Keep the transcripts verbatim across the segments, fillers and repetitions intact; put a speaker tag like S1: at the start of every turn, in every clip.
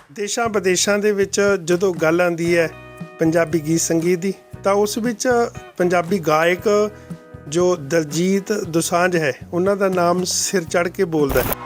S1: ਦੇਸ਼ਾਂ ਵਿਦੇਸ਼ਾਂ ਦੇ ਵਿੱਚ ਜਦੋਂ ਗੱਲ ਆਉਂਦੀ ਹੈ ਪੰਜਾਬੀ ਗੀਤ ਸੰਗੀਤ ਦੀ ਤਾਂ ਉਸ ਵਿੱਚ ਪੰਜਾਬੀ ਗਾਇਕ ਜੋ ਦਲਜੀਤ ਦੋਸਾਂਝ ਹੈ ਉਹਨਾਂ ਦਾ ਨਾਮ ਸਿਰ ਚੜ੍ਹ ਕੇ ਬੋਲਦਾ ਹੈ।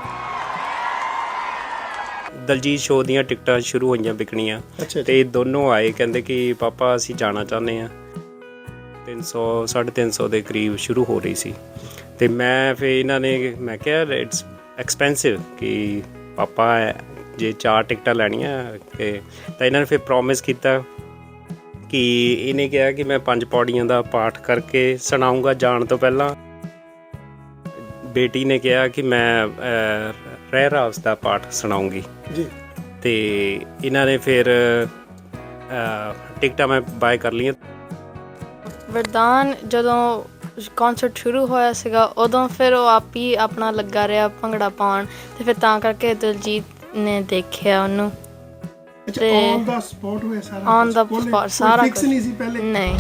S2: ਦਲਜੀਤ ਸ਼ੋਅ ਦੀਆਂ ਟਿਕਟਾਂ ਸ਼ੁਰੂ ਹੋਈਆਂ ਵਿਕਣੀਆਂ ਤੇ ਦੋਨੋਂ ਆਏ, ਕਹਿੰਦੇ ਕਿ ਪਾਪਾ ਅਸੀਂ ਜਾਣਾ ਚਾਹੁੰਦੇ ਹਾਂ। ਤਿੰਨ ਸੌ ਸਾਢੇ ਤਿੰਨ ਸੌ ਦੇ ਕਰੀਬ ਸ਼ੁਰੂ ਹੋ ਰਹੀ ਸੀ ਤੇ ਮੈਂ ਫਿਰ ਇਹਨਾਂ ਨੇ ਮੈਂ ਕਿਹਾ ਇਟਸ ਐਕਸਪੈਂਸਿਵ ਕਿ ਪਾਪਾ ਜੇ ਚਾਰ ਟਿਕਟਾਂ ਲੈਣੀਆਂ ਕਿ ਤਾਂ ਇਹਨਾਂ ਨੇ ਫਿਰ ਪ੍ਰੋਮਿਸ ਕੀਤਾ ਕਿ ਇਹਨੇ ਕਿਹਾ ਕਿ ਮੈਂ ਪੰਜ ਪੌੜੀਆਂ ਦਾ ਪਾਠ ਕਰਕੇ ਸੁਣਾਊਂਗਾ ਜਾਣ ਤੋਂ ਪਹਿਲਾਂ। ਬੇਟੀ ਨੇ ਕਿਹਾ ਕਿ ਮੈਂ ਰਹਿ ਰਾਸ ਦਾ ਪਾਠ ਸੁਣਾਉਂਗੀ
S1: ਜੀ
S2: ਤੇ ਇਹਨਾਂ ਨੇ ਫਿਰ ਟਿਕਟਾਂ ਮੈਂ ਬਾਏ ਕਰ ਲਈਆਂ।
S3: ਵਰਦਾਨ ਜਦੋਂ ਕੌਂਸਰਟ ਸ਼ੁਰੂ ਹੋਇਆ ਸੀਗਾ ਉਦੋਂ ਫਿਰ ਉਹ ਆਪ ਹੀ ਆਪਣਾ ਲੱਗਾ ਰਿਹਾ ਭੰਗੜਾ ਪਾਉਣ ਤੇ ਫਿਰ ਤਾਂ ਕਰਕੇ ਦਿਲਜੀਤ ਨੇ ਦੇਖਿਆ ਉਹਨੂੰ
S1: ਤੇ ਔਨ ਦਾ ਸਪੌਟ ਹੋਇਆ ਸਾਰਾ
S3: ਔਨ ਦਾ ਸਪੌਟ ਸਾਰਾ
S1: ਫਿਕਸ ਨਹੀਂ ਸੀ ਪਹਿਲੇ
S3: ਨਹੀਂ।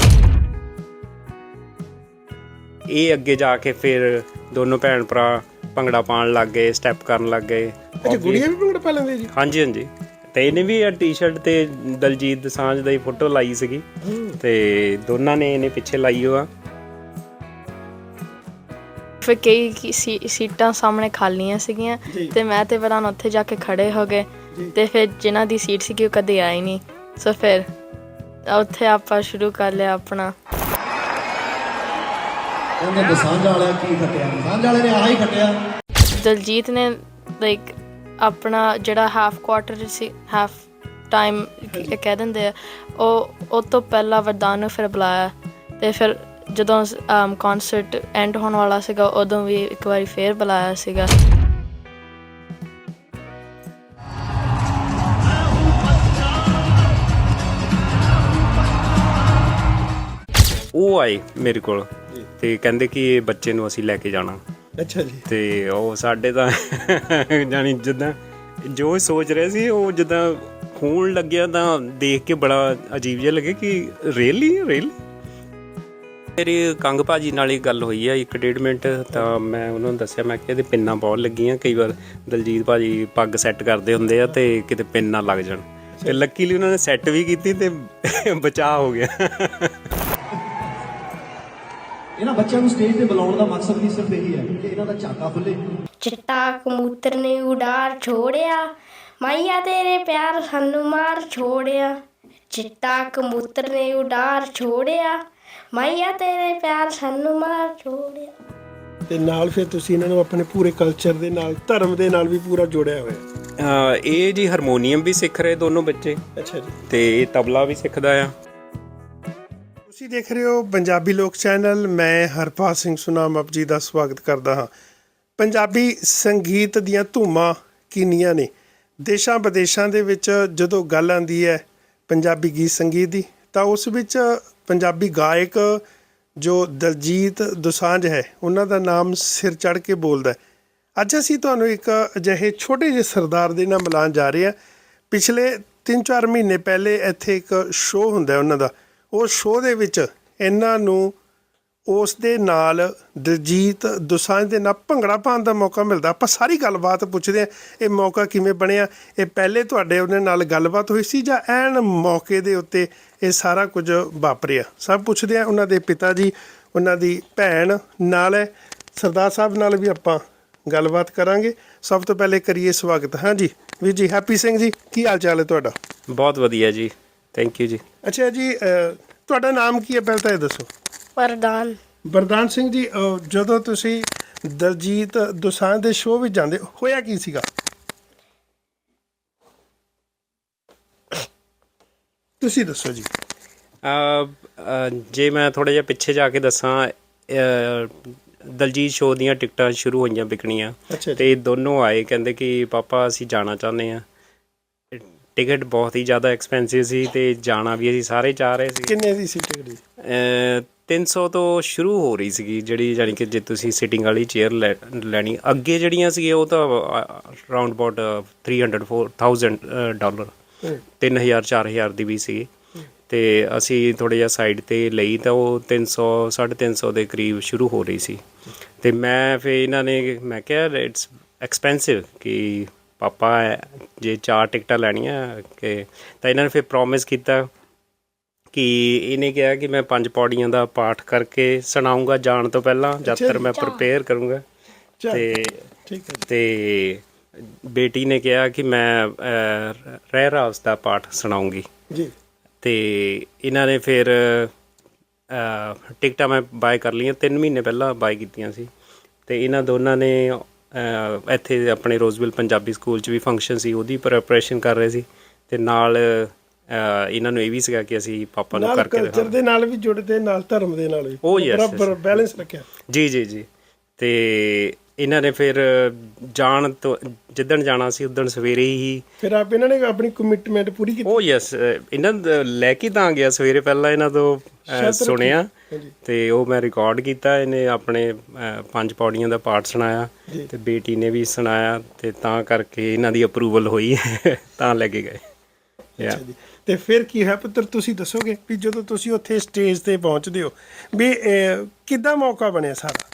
S2: ਇਹ ਅੱਗੇ ਜਾ ਕੇ ਫਿਰ ਦੋਨੋਂ ਭੈਣ ਭਰਾ ਭੰਗੜਾ ਪਾਉਣ ਲੱਗ ਗਏ, ਸਟੈਪ ਕਰਨ ਲੱਗ ਗਏ।
S1: ਅੱਛਾ ਗੁੜੀਆ ਵੀ ਭੰਗੜਾ ਪਾ ਲੈਂਦੇ ਜੀ?
S2: ਹਾਂਜੀ ਹਾਂਜੀ ਤੇ ਇਹਨੇ ਵੀ ਟੀ-ਸ਼ਰਟ ਤੇ ਦਲਜੀਤ ਦੋਸਾਂਝ ਦੀ ਫੋਟੋ ਲਾਈ ਸੀਗੀ ਤੇ ਦੋਨਾਂ ਨੇ ਇਹਨੇ ਪਿੱਛੇ ਲਾਈ ਹੋਆ।
S3: ਫਿਰ ਕਈ ਸੀਟਾਂ ਸਾਹਮਣੇ ਖਾਲੀਆਂ ਸੀਗੀਆਂ ਤੇ ਮੈਂ ਤੇ ਵਰਦਾਨ ਉੱਥੇ ਜਾ ਕੇ ਖੜੇ ਹੋ ਗਏ ਤੇ ਫਿਰ ਜਿਨ੍ਹਾਂ ਦੀ ਸੀਟ ਸੀਗੀ ਉਹ ਕਦੇ ਆਈ ਨਹੀਂ, ਸੋ ਫਿਰ ਉੱਥੇ ਆਪਾਂ ਸ਼ੁਰੂ ਕਰ ਲਿਆ ਆਪਣਾ।
S4: ਉਹਨੇ ਦੋਸਾਂਝ ਵਾਲਾ ਕੀ ਖੱਟਿਆ, ਦੋਸਾਂਝ ਵਾਲੇ ਨੇ ਆਹ ਹੀ ਖੱਟਿਆ।
S3: ਦਲਜੀਤ ਨੇ ਲਾਈਕ ਆਪਣਾ ਜਿਹੜਾ ਹਾਫ ਕੁਆਟਰ ਸੀ, ਹਾਫ ਟਾਈਮ ਕਹਿ ਦਿੰਦੇ ਆ, ਉਹ ਉਹ ਤੋਂ ਪਹਿਲਾਂ ਵਰਦਾਨ ਨੂੰ ਫਿਰ ਬੁਲਾਇਆ ਤੇ ਫਿਰ ਜਦੋਂ ਕੌਂਸਰਟ ਐਂਡ ਹੋਣ ਵਾਲਾ ਸੀਗਾ ਉਦੋਂ ਵੀ ਇੱਕ ਵਾਰੀ ਫੇਰ ਬੁਲਾਇਆ ਸੀਗਾ।
S2: ਉਹ ਆਏ ਮੇਰੇ ਕੋਲ ਤੇ ਕਹਿੰਦੇ ਕਿ ਇਹ ਬੱਚੇ ਨੂੰ ਅਸੀਂ ਲੈ ਕੇ ਜਾਣਾ।
S1: ਅੱਛਾ ਜੀ।
S2: ਤੇ ਉਹ ਸਾਡੇ ਤਾਂ ਜਾਣੀ ਜਿੱਦਾਂ ਜੋ ਸੋਚ ਰਹੇ ਸੀ ਉਹ ਜਿੱਦਾਂ ਹੋਣ ਲੱਗਿਆ ਤਾਂ ਦੇਖ ਕੇ ਬੜਾ ਅਜੀਬ ਜਿਹਾ ਲੱਗੇ ਕਿ ਰੀਅਲੀ ਰੀਅਲੀ। ਮੇਰੀ ਕੰਗ ਭਾਜੀ ਨਾਲ ਹੀ ਗੱਲ ਹੋਈ ਆ ਇੱਕ ਡੇਢ ਮਿੰਟ, ਤਾਂ ਮੈਂ ਉਹਨਾਂ ਨੂੰ ਦੱਸਿਆ ਮੈਂ ਕਿ ਇਹਦੇ ਪਿੰਨਾਂ ਬਹੁਤ ਲੱਗੀਆਂ। ਕਈ ਵਾਰ ਦਲਜੀਤ ਭਾਜੀ ਪੱਗ ਸੈੱਟ ਕਰਦੇ ਹੁੰਦੇ ਆ ਤੇ ਕਿਤੇ ਪਿੰਨ ਨਾ ਲੱਗ ਜਾਣ ਤੇ ਲੱਕੀਲੀ ਉਹਨਾਂ ਨੇ ਸੈੱਟ ਵੀ ਕੀਤੀ ਤੇ ਬਚਾਅ ਹੋ ਗਿਆ।
S4: ਇਹਨਾਂ ਬੱਚਿਆਂ ਨੂੰ ਸਟੇਜ ਤੇ ਬੁਲਾਉਣ ਦਾ ਮਕਸਦ ਵੀ ਸਿਰਫ ਇਹੀ ਹੈ ਕਿ ਇਹਨਾਂ ਦਾ ਝਾਕਾ ਖੁੱਲੇ।
S5: ਚਿੱਟਾ ਕਬੂਤਰ ਨੇ ਉਡਾਰ ਛੋੜਿਆ, ਮਾਈਆ ਤੇਰੇ ਪਿਆਰ ਸਾਨੂੰ ਮਾਰ ਛੋੜਿਆ। ਚਿੱਟਾ ਕਬੂਤਰ ਨੇ ਉਡਾਰ ਛੋੜਿਆ, ਮਾਈਆ ਤੇਰੇ ਪਿਆਰ ਸਾਨੂੰ ਮਾਰ ਛੋੜਿਆ।
S1: ਤੇ ਨਾਲ ਫਿਰ ਤੁਸੀਂ ਇਹਨਾਂ ਨੂੰ ਆਪਣੇ ਪੂਰੇ ਕਲਚਰ ਦੇ ਨਾਲ, ਧਰਮ ਦੇ ਨਾਲ ਵੀ ਪੂਰਾ ਜੋੜਿਆ ਹੋਇਆ।
S2: ਇਹ ਜੀ ਹਾਰਮੋਨੀਅਮ ਵੀ ਸਿੱਖ ਰਹੇ ਦੋਨੋਂ ਬੱਚੇ।
S1: ਅੱਛਾ ਜੀ।
S2: ਤੇ ਇਹ ਤਬਲਾ ਵੀ ਸਿੱਖਦਾ ਆ।
S1: ਤੁਸੀਂ ਦੇਖ ਰਹੇ ਹੋ ਪੰਜਾਬੀ ਲੋਕ ਚੈਨਲ। ਮੈਂ ਹਰਪਾਲ ਸਿੰਘ ਸੁਨਾਮ ਆਪ ਜੀ ਦਾ ਸਵਾਗਤ ਕਰਦਾ ਹਾਂ। ਪੰਜਾਬੀ ਸੰਗੀਤ ਦੀਆਂ ਧੂਮਾਂ ਕਿੰਨੀਆਂ ਨੇ। ਦੇਸ਼ਾਂ ਵਿਦੇਸ਼ਾਂ ਦੇ ਵਿੱਚ ਜਦੋਂ ਗੱਲ ਆਉਂਦੀ ਹੈ ਪੰਜਾਬੀ ਗੀਤ ਸੰਗੀਤ ਦੀ ਤਾਂ ਉਸ ਵਿੱਚ ਪੰਜਾਬੀ ਗਾਇਕ ਜੋ ਦਲਜੀਤ ਦੋਸਾਂਝ ਹੈ ਉਹਨਾਂ ਦਾ ਨਾਮ ਸਿਰ ਚੜ੍ਹ ਕੇ ਬੋਲਦਾ। ਅੱਜ ਅਸੀਂ ਤੁਹਾਨੂੰ ਇੱਕ ਅਜਿਹੇ ਛੋਟੇ ਜਿਹੇ ਸਰਦਾਰ ਦੇ ਨਾਲ ਮਿਲਾਉਣ ਜਾ ਰਹੇ ਹਾਂ। ਪਿਛਲੇ ਤਿੰਨ ਚਾਰ ਮਹੀਨੇ ਪਹਿਲੇ ਇੱਥੇ ਇੱਕ ਸ਼ੋਅ ਹੁੰਦਾ ਉਹਨਾਂ ਦਾ। ਉਹ ਸ਼ੋਅ ਦੇ ਵਿੱਚ ਇਹਨਾਂ ਨੂੰ ਉਸ ਦੇ ਨਾਲ ਦਲਜੀਤ ਦੋਸਾਂਝ ਦੇ ਨਾਲ ਭੰਗੜਾ ਪਾਉਣ ਦਾ ਮੌਕਾ ਮਿਲਦਾ। ਆਪਾਂ ਸਾਰੀ ਗੱਲਬਾਤ ਪੁੱਛਦੇ ਹਾਂ ਇਹ ਮੌਕਾ ਕਿਵੇਂ ਬਣਿਆ। ਇਹ ਪਹਿਲੇ ਤੁਹਾਡੇ ਉਹਨਾਂ ਨਾਲ ਗੱਲਬਾਤ ਹੋਈ ਸੀ ਜਾਂ ਐਨ ਮੌਕੇ ਦੇ ਉੱਤੇ ਇਹ ਸਾਰਾ ਕੁਝ ਵਾਪਰਿਆ? ਸਭ ਪੁੱਛਦੇ ਹਾਂ। ਉਹਨਾਂ ਦੇ ਪਿਤਾ ਜੀ, ਉਹਨਾਂ ਦੀ ਭੈਣ ਨਾਲ ਹੈ, ਸਰਦਾਰ ਸਾਹਿਬ ਨਾਲ ਵੀ ਆਪਾਂ ਗੱਲਬਾਤ ਕਰਾਂਗੇ। ਸਭ ਤੋਂ ਪਹਿਲੇ ਕਰੀਏ ਸਵਾਗਤ। ਹਾਂਜੀ ਵੀਰ ਜੀ, ਹੈਪੀ ਸਿੰਘ ਜੀ, ਕੀ ਹਾਲ ਚਾਲ ਹੈ ਤੁਹਾਡਾ?
S2: ਬਹੁਤ ਵਧੀਆ ਜੀ, ਥੈਂਕ ਯੂ ਜੀ।
S1: ਅੱਛਾ ਜੀ, ਤੁਹਾਡਾ ਨਾਮ ਕੀ ਹੈ ਪਹਿਲਾਂ ਤਾਂ ਇਹ ਦੱਸੋ?
S5: ਵਰਦਾਨ।
S1: ਵਰਦਾਨ ਸਿੰਘ ਜੀ, ਜਦੋਂ ਤੁਸੀਂ ਦਲਜੀਤ ਦੋਸਾਂਝ ਦੇ ਸ਼ੋਅ ਵਿੱਚ ਜਾਂਦੇ ਹੋਇਆ ਕੀ ਸੀਗਾ? ਤੁਸੀਂ ਦੱਸੋ ਜੀ।
S2: ਜੇ ਮੈਂ ਥੋੜ੍ਹਾ ਜਿਹਾ ਪਿੱਛੇ ਜਾ ਕੇ ਦੱਸਾਂ, ਦਲਜੀਤ ਸ਼ੋਅ ਦੀਆਂ ਟਿਕਟਾਂ ਸ਼ੁਰੂ ਹੋਈਆਂ ਵਿਕਣੀਆਂ ਤੇ ਦੋਨੋਂ ਆਏ, ਕਹਿੰਦੇ ਕਿ ਪਾਪਾ ਅਸੀਂ ਜਾਣਾ ਚਾਹੁੰਦੇ ਹਾਂ। ਟਿਕਟ ਬਹੁਤ ਹੀ ਜ਼ਿਆਦਾ ਐਕਸਪੈਂਸਿਵ ਸੀ ਤੇ ਜਾਣਾ ਵੀ ਅਸੀਂ ਸਾਰੇ ਚਾਹ ਰਹੇ ਸੀ।
S1: ਕਿੰਨੇ ਦੀ ਸੀ ਟਿਕਟ ਜੀ?
S2: ਤਿੰਨ ਸੌ ਤੋਂ ਸ਼ੁਰੂ ਹੋ ਰਹੀ ਸੀਗੀ ਜਿਹੜੀ, ਜਾਣੀ ਕਿ ਜੇ ਤੁਸੀਂ ਸਿਟਿੰਗ ਵਾਲੀ ਚੇਅਰ ਲੈ ਲੈਣੀ। ਅੱਗੇ ਜਿਹੜੀਆਂ ਸੀਗੀਆਂ ਉਹ ਤਾਂ around about three hundred four thousand dollar, ਤਿੰਨ ਹਜ਼ਾਰ ਚਾਰ ਹਜ਼ਾਰ ਦੀ ਵੀ ਸੀਗੀ। ਅਤੇ ਅਸੀਂ ਥੋੜ੍ਹਾ ਜਿਹਾ ਸਾਈਡ 'ਤੇ ਲਈ ਤਾਂ ਉਹ ਤਿੰਨ ਸੌ ਸਾਢੇ ਤਿੰਨ ਸੌ ਦੇ ਕਰੀਬ ਸ਼ੁਰੂ ਹੋ ਰਹੀ ਸੀ। ਅਤੇ ਮੈਂ ਫਿਰ ਇਹਨਾਂ ਨੇ ਮੈਂ ਕਿਹਾ ਇਟਸ ਐਕਸਪੈਂਸਿਵ ਕਿ ਪਾਪਾ ਜੇ ਚਾਰ ਟਿਕਟਾਂ ਲੈਣੀਆਂ ਕਿ ਤਾਂ ਇਹਨਾਂ ਨੇ ਫਿਰ ਪ੍ਰੋਮਿਸ ਕੀਤਾ ਕਿ ਇਹਨੇ ਕਿਹਾ ਕਿ ਮੈਂ ਪੰਜ ਪੌੜੀਆਂ ਦਾ ਪਾਠ ਕਰਕੇ ਸੁਣਾਉਂਗਾ ਜਾਣ ਤੋਂ ਪਹਿਲਾਂ ਜਦ ਤੱਕ ਮੈਂ ਪ੍ਰਪੇਅਰ ਕਰੂੰਗਾ ਤੇ
S1: ਠੀਕ ਹੈ
S2: ਤੇ ਬੇਟੀ ਨੇ ਕਿਹਾ ਕਿ ਮੈਂ ਅਹ, ਰਹਿ ਰਾਸ ਦਾ ਪਾਠ ਸੁਣਾਉਂਗੀ
S1: ਜੀ
S2: ਤੇ ਇਹਨਾਂ ਨੇ ਫਿਰ ਅਹ, ਟਿਕਟਾਂ ਮੈਂ ਬਾਏ ਕਰ ਲਈਆਂ ਤਿੰਨ ਮਹੀਨੇ ਪਹਿਲਾਂ ਬਾਏ ਕੀਤੀਆਂ ਸੀ ਤੇ ਇਹਨਾਂ ਦੋਨਾਂ ਨੇ ਅਹ, ਇੱਥੇ ਆਪਣੇ ਰੋਜ਼ਵਿਲ ਪੰਜਾਬੀ ਸਕੂਲ 'ਚ ਵੀ ਫੰਕਸ਼ਨ ਸੀ ਉਹਦੀ ਪ੍ਰੈਪਰੇਸ਼ਨ ਕਰ ਰਹੇ ਸੀ ਤੇ ਨਾਲ ਅਹ, ਇਹਨਾਂ ਨੂੰ ਇਹ ਵੀ ਸੀਗਾ ਕਿ ਅਸੀਂ ਪਾਪਾ ਨੂੰ
S1: ਨਾਲ
S2: ਕਰਕੇ
S1: ਕਲਚਰ
S2: ਦਿਖਾਵਾਂਗੇ।
S1: ਦੇ ਨਾਲ ਵੀ ਜੁੜਦੇ ਨਾਲ ਧਰਮ ਦੇ ਨਾਲ ਵੀ
S2: Oh, yes,
S1: ਬਰਾਬਰ
S2: yes.
S1: ਬੈਲੈਂਸ ਰੱਖਿਆ
S2: ਜੀ ਜੀ ਜੀ ਤੇ ਇਹਨਾਂ ਨੇ ਫਿਰ ਜਾਣ ਤੋਂ ਜਿੱਦਣ ਜਾਣਾ ਸੀ ਉਦਣ ਸਵੇਰੇ ਹੀ
S1: ਫਿਰ ਆਪ ਇਹਨਾਂ ਨੇ ਆਪਣੀ ਕਮਿਟਮੈਂਟ ਪੂਰੀ ਕੀਤੀ
S2: ਉਹ ਯੈਸ ਇਹਨਾਂ ਦਾ ਲੈ ਕੇ ਤਾਂ ਗਿਆ ਸਵੇਰੇ ਪਹਿਲਾਂ ਇਹਨਾਂ ਤੋਂ ਅਹ, ਸੁਣਿਆ
S1: ਹਾਂਜੀ।
S2: ਤੇ ਉਹ ਮੈਂ ਰਿਕਾਰਡ ਕੀਤਾ ਇਹਨੇ ਆਪਣੇ ਅਹ, ਪੰਜ ਪੌੜੀਆਂ ਦਾ ਪਾਠ ਸੁਣਾਇਆ
S1: ਜੀ।
S2: ਤੇ ਬੇਟੀ ਨੇ ਵੀ ਸੁਣਾਇਆ ਤੇ ਤਾਂ ਕਰਕੇ ਇਹਨਾਂ ਦੀ ਅਪਰੂਵਲ ਹੋਈ ਤਾਂ ਲੈ ਕੇ ਗਏ ਯਾ
S1: ਅੱਛਾ ਜੀ। ਤੇ ਫਿਰ ਕੀ ਹੈ ਪੁੱਤਰ ਤੁਸੀਂ ਦੱਸੋਗੇ ਵੀ ਜਦੋਂ ਤੁਸੀਂ ਉੱਥੇ ਸਟੇਜ ਤੇ ਪਹੁੰਚਦੇ ਹੋ ਵੀ ਅਹ, ਕਿੱਦਾਂ ਮੌਕਾ ਬਣਿਆ ਸਾਰਾ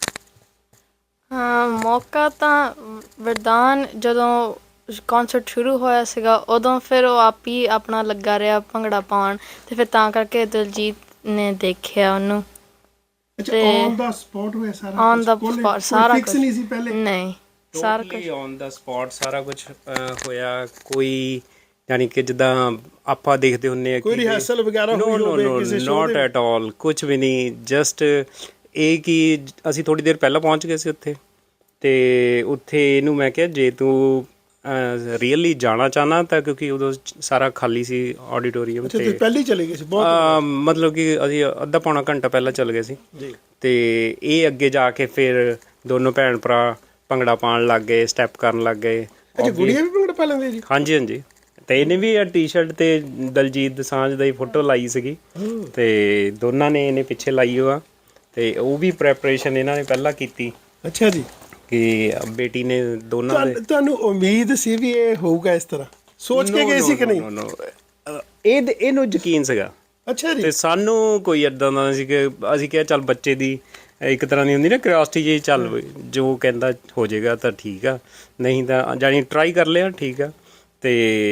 S3: ਹਾਂ ਮੌਕਾ ਤਾਂ ਵਰਦਾਨ ਜਦੋਂ ਕਨਸਰਟ ਸ਼ੁਰੂ ਹੋਇਆ ਸੀਗਾ ਉਦੋਂ ਫਿਰ ਉਹ ਆਪ ਹੀ ਆਪਣਾ ਲੱਗਾ ਰਿਹਾ ਭੰਗੜਾ ਪਾਉਣ ਤੇ ਫਿਰ ਤਾਂ ਕਰਕੇ ਦਿਲਜੀਤ ਨੇ ਦੇਖਿਆ ਉਹਨੂੰ
S1: ਅੱਛਾ
S3: ਤੇ
S1: ਔਨ ਦਾ ਸਪੌਟ ਹੋਇਆ ਸਾਰਾ
S3: ਔਨ ਦਾ
S1: ਕੁਛ? ਕੋਈ-
S3: ਸਪੌਟ
S1: ਕੋਈ
S3: ਸਾਰਾ
S1: ਫਿਕਸ
S3: ਕੁਛ
S1: ਨਹੀਂ ਸੀ ਪਹਿਲੇ
S3: ਨਹੀਂ ਸਾਰਾ ਕੁਝ
S2: ਟੋਟਲੀ ਔਨ ਦਾ ਸਪੌਟ ਸਾਰਾ ਕੁਝ ਹੋਇਆ ਕੋਈ ਯਾਨੀ ਕਿ ਜਿੱਦਾਂ ਆਪਾਂ ਦੇਖਦੇ ਹੁੰਨੇ ਆ
S1: ਕੋਈ ਰਿਹਰਸਲ ਵਗੈਰਾ
S2: ਨੋ
S1: ਹੋਈ
S2: ਨੋ
S1: ਹੋਵੇ
S2: ਨੋ
S1: ਕਿਸੇ ਸ਼ੋਅ
S2: ਨਾਟ
S1: ਦੇ
S2: ਐਟ ਆਲ ਕੁਝ ਵੀ ਨਹੀਂ ਜਸਟ ਇਹ ਕਿ ਅਸੀਂ ਥੋੜੀ ਦੇਰ ਪਹਿਲਾਂ ਪਹੁੰਚ ਗਏ ਸੀ ਉੱਥੇ ਤੇ ਉੱਥੇ ਇਹਨੂੰ ਮੈਂ ਕਿਹਾ ਜੇ ਤੂੰ ਰੀਅਲੀ ਜਾਣਾ ਚਾਹਨਾ ਤਾਂ ਕਿਉਂਕਿ ਉਦੋਂ ਸਾਰਾ ਖਾਲੀ ਸੀ ਆਡੀਟੋਰੀਅਮ
S1: ਅੱਛਾ
S2: ਤੇ
S1: ਤੁਸੀਂ ਪਹਿਲੇ ਹੀ ਚਲੇ ਗਏ ਸੀ ਬਹੁਤ
S2: ਅਹ, ਮਤਲਬ ਕਿ ਅਸੀਂ ਅੱਧਾ ਪੌਣਾ ਘੰਟਾ ਪਹਿਲਾਂ ਚੱਲ ਗਏ ਸੀ
S1: ਜੀ
S2: ਤੇ ਇਹ ਅੱਗੇ ਜਾ ਕੇ ਫਿਰ ਦੋਨੋਂ ਭੈਣ ਭਰਾ ਭੰਗੜਾ ਪਾਉਣ ਲੱਗ ਗਏ ਸਟੈਪ ਕਰਨ ਲੱਗ ਗਏ
S1: ਅੱਛਾ ਗੁੜੀਆ ਵੀ ਭੰਗੜਾ ਪਾ ਲੈਂਦੇ ਜੀ
S2: ਹਾਂਜੀ ਹਾਂਜੀ ਤੇ ਇਹਨੇ ਵੀ ਟੀ-ਸ਼ਰਟ ਤੇ ਦਲਜੀਤ ਦੋਸਾਂਝ ਦੀ ਫੋਟੋ ਲਾਈ ਸੀਗੀ ਤੇ ਦੋਨਾਂ ਨੇ ਇਹਨੇ ਪਿੱਛੇ ਲਾਈ ਹੋਆ ਤੇ ਉਹ ਵੀ ਪ੍ਰੈਪਰੇਸ਼ਨ ਇਹਨਾਂ ਨੇ ਪਹਿਲਾਂ ਕੀਤੀ
S1: ਅੱਛਾ ਜੀ
S2: ਕਿ ਬੇਟੀ ਨੇ ਦੋਨਾਂ ਦੇ
S1: ਤੁਹਾਨੂੰ ਤੁਹਾਨੂੰ ਉਮੀਦ ਸੀ ਵੀ ਇਹ ਹੋਊਗਾ ਇਸ ਤਰ੍ਹਾਂ ਸੋਚ ਕੇ ਗਏ ਸੀ ਕਿ ਨਹੀਂ
S2: No, no, no. ਅਹ, ਇਹ ਇਹਨੂੰ ਯਕੀਨ ਸੀਗਾ
S1: ਅੱਛਾ ਜੀ
S2: ਤੇ ਸਾਨੂੰ ਕੋਈ ਏਦਾਂ ਦਾ ਨਹੀਂ ਸੀ ਕਿ ਅਸੀਂ ਕਿਹਾ ਚੱਲ ਬੱਚੇ ਦੀ ਇੱਕ ਤਰ੍ਹਾਂ ਦੀ ਹੁੰਦੀ ਨਾ ਕਿਉਰਿਓਸਿਟੀ ਜੀ ਚੱਲ ਵੀ ਜੋ ਕਹਿੰਦਾ ਹੋ ਜਾਏਗਾ ਤਾਂ ਠੀਕ ਆ ਨਹੀਂ ਤਾਂ ਜਾਨੀ ਟਰਾਈ ਕਰ ਲਿਆ ਠੀਕ ਆ ਤੇ